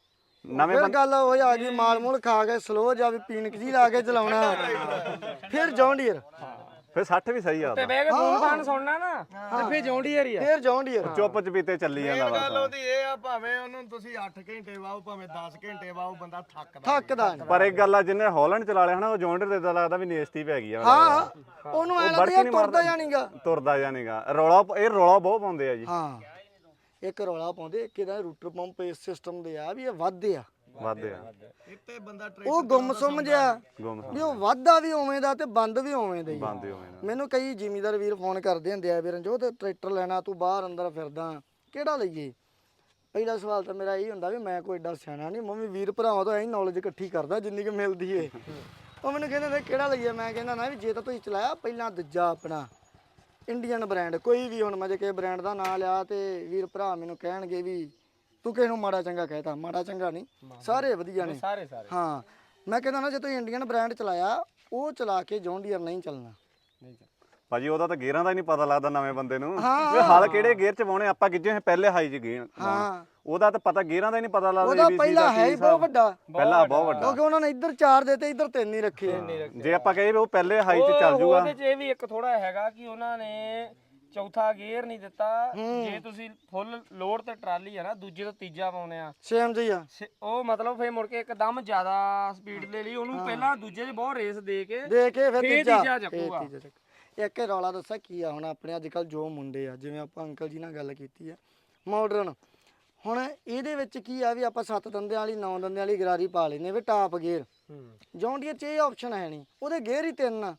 S2: ਨਵੇਂ
S1: ਫਿਰ ਗੱਲ ਉਹ ਆ ਗਈ ਮਾਲ ਮੂਲ ਖਾ ਕੇ ਸਲੋ ਜਾਂ ਵੀ ਪੀਣਕ ਜੀ ਲਾ ਕੇ ਚਲਾਉਣਾ ਫਿਰ ਜੌਂਡੀਅਰ
S2: ਫਿਰ 60 ਵੀ ਸਹੀ ਆ
S3: ਤੇ
S2: ਉਹਦਾ।
S3: ਬਹਿ ਕੇ ਫੋਨ ਫਾਨ ਸੁਣਨਾ ਨਾ ਤੇ ਫੇਰ ਜੌਂਡੀਅਰ ਹੀ ਆ।
S1: ਫਿਰ ਜੌਂਡੀਅਰ
S2: ਚੁੱਪ ਚਪੀਤੇ ਚੱਲੀ ਜਾਂਦਾ
S5: ਗੱਲ
S2: ਬਸ।
S5: ਉਹਦੀ ਇਹ ਆ ਭਾਵੇਂ ਉਹਨੂੰ ਤੁਸੀਂ 8 ਘੰਟੇ ਵਾਓ ਭਾਵੇਂ 10 ਘੰਟੇ ਵਾਓ ਬੰਦਾ ਥੱਕਦਾ
S1: ਥੱਕਦਾ ਨੀ।
S2: ਪਰ ਇੱਕ ਗੱਲ ਆ ਜਿਹਨੇ ਹਾਲੈਂਡ ਚਲਾ ਲਿਆ ਹਨਾ ਉਹ ਜੌਂਡਰ ਦੇ ਤਾਂ ਲੱਗਦਾ ਵੀ ਨੇਸਤੀ ਪੈ ਗਈ ਆ ਮੈਨੂੰ
S1: ਹਾਂ
S2: ਲੱਗਦਾ।
S1: ਉਹਨੂੰ ਐ
S2: ਉਹ
S1: ਲੱਗਦਾ
S2: ਬੜਕੀ
S1: ਯਾਰ
S2: ਨੀ
S1: ਤੁਰਦਾ
S2: ਮਾਰਦਾ।
S1: ਜਾਣੀਗਾ
S2: ਤੁਰਦਾ ਜਾਣੀਗਾ ਇਹ ਰੌਲਾ ਬਹੁਤ ਪਾਉਂਦੇ ਆ ਜੀ।
S1: ਹਾਂ ਇੱਕ ਰੌਲਾ ਪਾਉਂਦੇ ਇੱਕ ਇਹਦਾ ਰੂਟਰ ਪੰਪ ਇਸ ਸਿਸਟਮ ਦੇ ਆ ਵੀ ਇਹ ਵੱਧ ਆ
S2: ਵੱਧਦੇ ਆ
S5: ਇੱਥੇ ਬੰਦਾ
S1: ਉਹ ਗੁੰਮਸੁੰਮ ਜਿਹਾ
S2: ਗੁੰਮ
S1: ਵੀ ਉਹ ਵਾਧਾ ਵੀ ਉਵੇਂ ਦਾ ਤੇ ਬੰਦ ਵੀ ਉਵੇਂ ਦਾ ਹੀ ਆ।
S2: ਬੰਦੇ ਹੋਏ ਨਾ।
S1: ਮੈਨੂੰ ਕਈ ਜ਼ਿਮੀਦਾਰ ਵੀਰ ਫੋਨ ਕਰਦੇ ਹੁੰਦੇ ਆ ਵੀ ਰਣਜੋਤ ਟਰੈਕਟਰ ਲੈਣਾ ਤੂੰ ਬਾਹਰ ਅੰਦਰ ਫਿਰਦਾ ਕਿਹੜਾ ਲਈਏ। ਪਹਿਲਾ ਸਵਾਲ ਤਾਂ ਮੇਰਾ ਇਹ ਹੁੰਦਾ ਵੀ ਮੈਂ ਕੋਈ ਏਡਾ ਸਿਆਣਾ ਨਹੀਂ ਮੈਂ ਵੀ ਵੀਰ ਭਰਾਵਾਂ ਤੋਂ ਐਂ ਨੌਲੇਜ ਇਕੱਠੀ ਕਰਦਾ ਜਿੰਨੀ ਕਿ ਮਿਲਦੀ ਏ। ਉਹ ਮੈਨੂੰ ਕਹਿੰਦੇ ਨੇ ਕਿਹੜਾ ਲਈਏ ਮੈਂ ਕਹਿੰਦਾ ਨਾ ਵੀ ਜੇ ਤਾਂ ਤੁਸੀਂ ਚਲਾਇਆ ਪਹਿਲਾਂ ਦੂਜਾ ਆਪਣਾ ਇੰਡੀਅਨ ਬ੍ਰਾਂਡ ਕੋਈ ਵੀ ਹੁਣ ਮੈਂ ਜੇ ਕਿਸੇ ਬ੍ਰਾਂਡ ਦਾ ਨਾਂ ਲਿਆ ਤੇ ਵੀਰ ਭਰਾ ਮੈਨੂੰ ਕਹਿਣਗੇ ਵੀ ਤੂੰ ਕਿਸੇ ਨੂੰ ਮਾੜਾ ਚੰਗਾ ਕਹਿਤਾ ਮਾੜਾ ਚੰਗਾ ਨਹੀਂ ਸਾਰੇ ਵਧੀਆ ਨੇ
S3: ਸਾਰੇ ਸਾਰੇ
S1: ਹਾਂ ਮੈਂ ਕਹਿੰਦਾ ਨਾ ਜੇ ਤੁਸੀਂ ਇੰਡੀਅਨ ਬ੍ਰਾਂਡ ਚਲਾਇਆ ਉਹ ਚਲਾ ਕੇ ਜੌਂਡੀਅਰ ਨਹੀਂ ਚੱਲਣਾ।
S2: ਭਾਜੀ ਉਹਦਾ ਤਾਂ ਗੇਅਰਾਂ ਦਾ ਹੀ ਨਹੀਂ ਪਤਾ ਲੱਗਦਾ ਨਵੇਂ ਬੰਦੇ ਨੂੰ ਵੀ ਹਲ ਕਿਹੜੇ ਗੇਅਰ ਚ ਪਾਉਣੇ ਆਪਾਂ ਕਿੱਜੇ ਹੋਏ ਪਹਿਲੇ ਹਾਈ ਚ ਗੇਅਰ
S1: ਹਾਂ
S2: ਉਹਦਾ ਤਾਂ ਪਤਾ ਗੇਅਰਾਂ ਦਾ ਹੀ ਨਹੀਂ ਪਤਾ ਲੱਗਦਾ
S1: ਉਹਦਾ
S2: ABC
S1: ਪਹਿਲਾ
S2: ਦਾ
S1: ਹੈ
S2: ਕੀ
S1: ਹੀ ਬਹੁਤ
S2: ਹਿਸਾਬ।
S1: ਵੱਡਾ
S2: ਪਹਿਲਾ ਬਹੁਤ ਵੱਡਾ
S1: ਕਿਉਂਕਿ ਉਹਨਾਂ ਨੇ ਇੱਧਰ 4 ਦੇਤੇ ਇੱਧਰ 3 ਹੀ ਰੱਖੇ ਆ।
S2: ਜੇ ਆਪਾਂ ਕਹੀਏ ਵੀ ਉਹ ਪਹਿਲੇ ਹਾਈ ਚ ਚੱਲ ਜੂਗਾ
S3: ਉਹਦੇ ਚ ਇਹ ਵੀ ਇੱਕ ਥੋੜਾ ਹੈਗਾ ਕਿ ਉਹਨਾਂ ਨੇ ਚੌਥਾ ਗੇਅਰ ਨਹੀਂ ਦਿੱਤਾ। ਜੇ ਤੁਸੀਂ ਫੁੱਲ ਲੋਡ ਤੇ ਟਰਾਲੀ ਆ ਨਾ ਦੂਜੇ ਤੋਂ ਤੀਜਾ ਪਾਉਨੇ ਆ
S1: ਸੇਮ ਜੀ ਆ
S3: ਉਹ ਮਤਲਬ ਫੇਰ ਮੁੜ ਕੇ ਇੱਕਦਮ ਜ਼ਿਆਦਾ ਸਪੀਡ ਦੇ ਲਈ ਉਹਨੂੰ ਪਹਿਲਾਂ ਦੂਜੇ 'ਚ ਬਹੁਤ ਰੇਸ ਦੇ ਕੇ
S1: ਦੇ ਕੇ ਫਿਰ
S3: ਫੇਰ
S1: ਤੀਜਾ
S3: ਤੀਜਾ ਚੱਕੂਗਾ।
S1: ਫੇਰ ਤੀਜਾ ਚੱਕ ਇੱਕ ਇਹ ਰੌਲਾ ਦੱਸਾਂ ਕੀ ਆ ਹੁਣ ਆਪਣੇ ਅੱਜ ਕੱਲ ਜੋ ਮੁੰਡੇ ਆ ਜਿਵੇਂ ਆਪਾਂ ਅੰਕਲ ਜੀ ਨਾਲ ਗੱਲ ਕੀਤੀ ਆ ਮਾਡਰਨ ਹੁਣ ਇਹਦੇ ਵਿੱਚ ਕੀ ਆ ਵੀ ਆਪਾਂ 7 ਦੰਦਿਆਂ ਵਾਲੀ 9 ਦੰਦਿਆਂ ਵਾਲੀ ਗਰਾਰੀ ਪਾ ਲੈਨੇ ਵੀ ਟਾਪ ਗੇਅਰ ਜੌਂਡੀਅਰ 'ਚ ਇਹ ਆਪਸ਼ਨ ਹੈ ਨਹੀਂ ਉਹਦੇ ਗੇਅਰ ਹੀ 3 ਆ।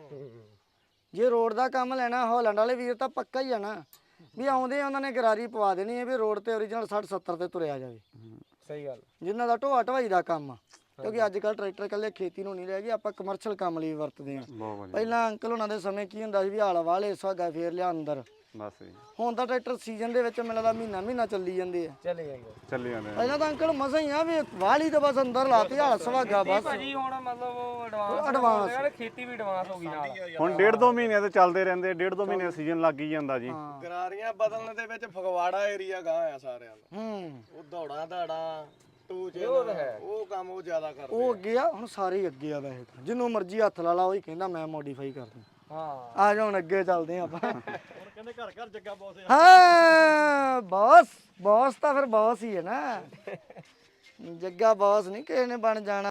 S1: ਜੇ ਰੋਡ ਦਾ ਕੰਮ ਲੈਣਾ ਹਾਲੈਂਡ ਵਾਲੇ ਵੀਰ ਤਾਂ ਪੱਕਾ ਹੀ ਆ ਨਾ ਵੀ ਆਉਂਦੇ ਉਹਨਾਂ ਨੇ ਗਰਾਰੀ ਪਵਾ ਦੇਣੀ ਹੈ ਵੀ ਰੋਡ ਤੇ ਓਰੀਜਨਲ 60 70 ਤੇ ਤੁਰਿਆ ਜਾਵੇ
S3: ਸਹੀ ਗੱਲ
S1: ਜਿਨ੍ਹਾਂ ਦਾ ਢੋਆ ਢਵਾਈ ਦਾ ਕੰਮ ਆ ਕਿਉਂਕਿ ਅੱਜ ਕੱਲ ਟਰੈਕਟਰ ਇਕੱਲੇ ਖੇਤੀ ਨੂੰ ਨਹੀਂ ਰਹਿ ਗਏ ਆਪਾਂ ਕਮਰਸ਼ੀਅਲ ਕੰਮ ਲਈ ਵਰਤਦੇ ਆ।
S2: ਬਹੁਤ ਵਧੀਆ
S1: ਪਹਿਲਾਂ ਅੰਕਲ ਉਹਨਾਂ ਦੇ ਸਮੇਂ ਕੀ ਹੁੰਦਾ ਸੀ ਵੀ ਹਾਲ ਵਾਲੇ ਸੁਹਾਗਾ ਫੇਰ ਲਿਆ ਅੰਦਰ
S2: ਬਸ ਜੀ
S1: ਹੁਣ ਤਾਂ ਟਰੈਕਟਰ ਸੀਜ਼ਨ ਦੇ ਵਿੱਚ ਮਿਲਦਾ ਮਹੀਨਾ ਚੱਲੀ ਜਾਂਦੇ ਆ।
S3: ਚਲੇ ਜਾਂਦੇ
S2: ਚੱਲੀ ਜਾਂਦੇ ਆ।
S1: ਪਹਿਲਾਂ ਤਾਂ ਅੰਕਲ ਮਸਾਂ ਹੀ ਆ ਵੀ ਵਾਲੀ ਤਾਂ ਬਸ ਅੰਦਰ ਲਾਤੀ ਹਾਲ ਸੁਹਾਗਾ ਬਸ
S3: ਭਾਜੀ ਹੁਣ ਮਤਲਬ ਉਹ ਐਡਵਾਂਸ
S1: advance।
S3: ਯਾਰ ਖੇਤੀ ਵੀ ਐਡਵਾਂਸ ਹੋ ਗਈ ਨਾਲ
S2: ਹੁਣ 1.5-2 ਮਹੀਨੇ ਤੇ ਚੱਲਦੇ ਰਹਿੰਦੇ 1.5-2 ਮਹੀਨੇ ਸੀਜ਼ਨ ਲੱਗ ਹੀ ਜਾਂਦਾ ਜੀ।
S5: ਗਰਾਰੀਆਂ ਬਦਲਣ ਦੇ ਵਿੱਚ ਫਗਵਾੜਾ ਏਰੀਆ ਗਾਂ ਆ ਸਾਰਿਆਂ ਦਾ
S1: ਹੂੰ
S5: ਉਹ ਦੌੜਾਂ ਦਾੜਾ ਟੂਚ ਉਹ ਕੰਮ ਉਹ ਜ਼ਿਆਦਾ ਕਰਦੇ
S1: ਉਹ ਅੱਗੇ ਆ ਹੁਣ ਸਾਰੇ ਹੀ ਅੱਗੇ ਆ ਵੈਸੇ ਤਾਂ ਜਿਹਨੂੰ ਮਰਜ਼ੀ ਹੱਥ ਲਾ ਲਾ ਉਹੀ ਕਹਿੰਦਾ ਮੈਂ ਮੋਡੀਫਾਈ ਕਰ ਦੂੰ।
S3: ਹਾਂ
S1: ਆ ਜਾ ਹੁਣ ਅੱਗੇ ਚੱਲਦੇ ਆ ਆਪਾਂ
S5: ਕਹਿੰਦੇ ਘਰ ਘਰ ਜੱਗਾ ਬੌਸ
S1: ਹਾਂ ਬੌਸ ਤਾਂ ਫਿਰ ਬੌਸ ਹੀ ਹੈ ਨਾ ਜੱਗਾ ਬੌਸ ਨਹੀਂ ਕਿਸੇ ਨੇ ਬਣ ਜਾਣਾ।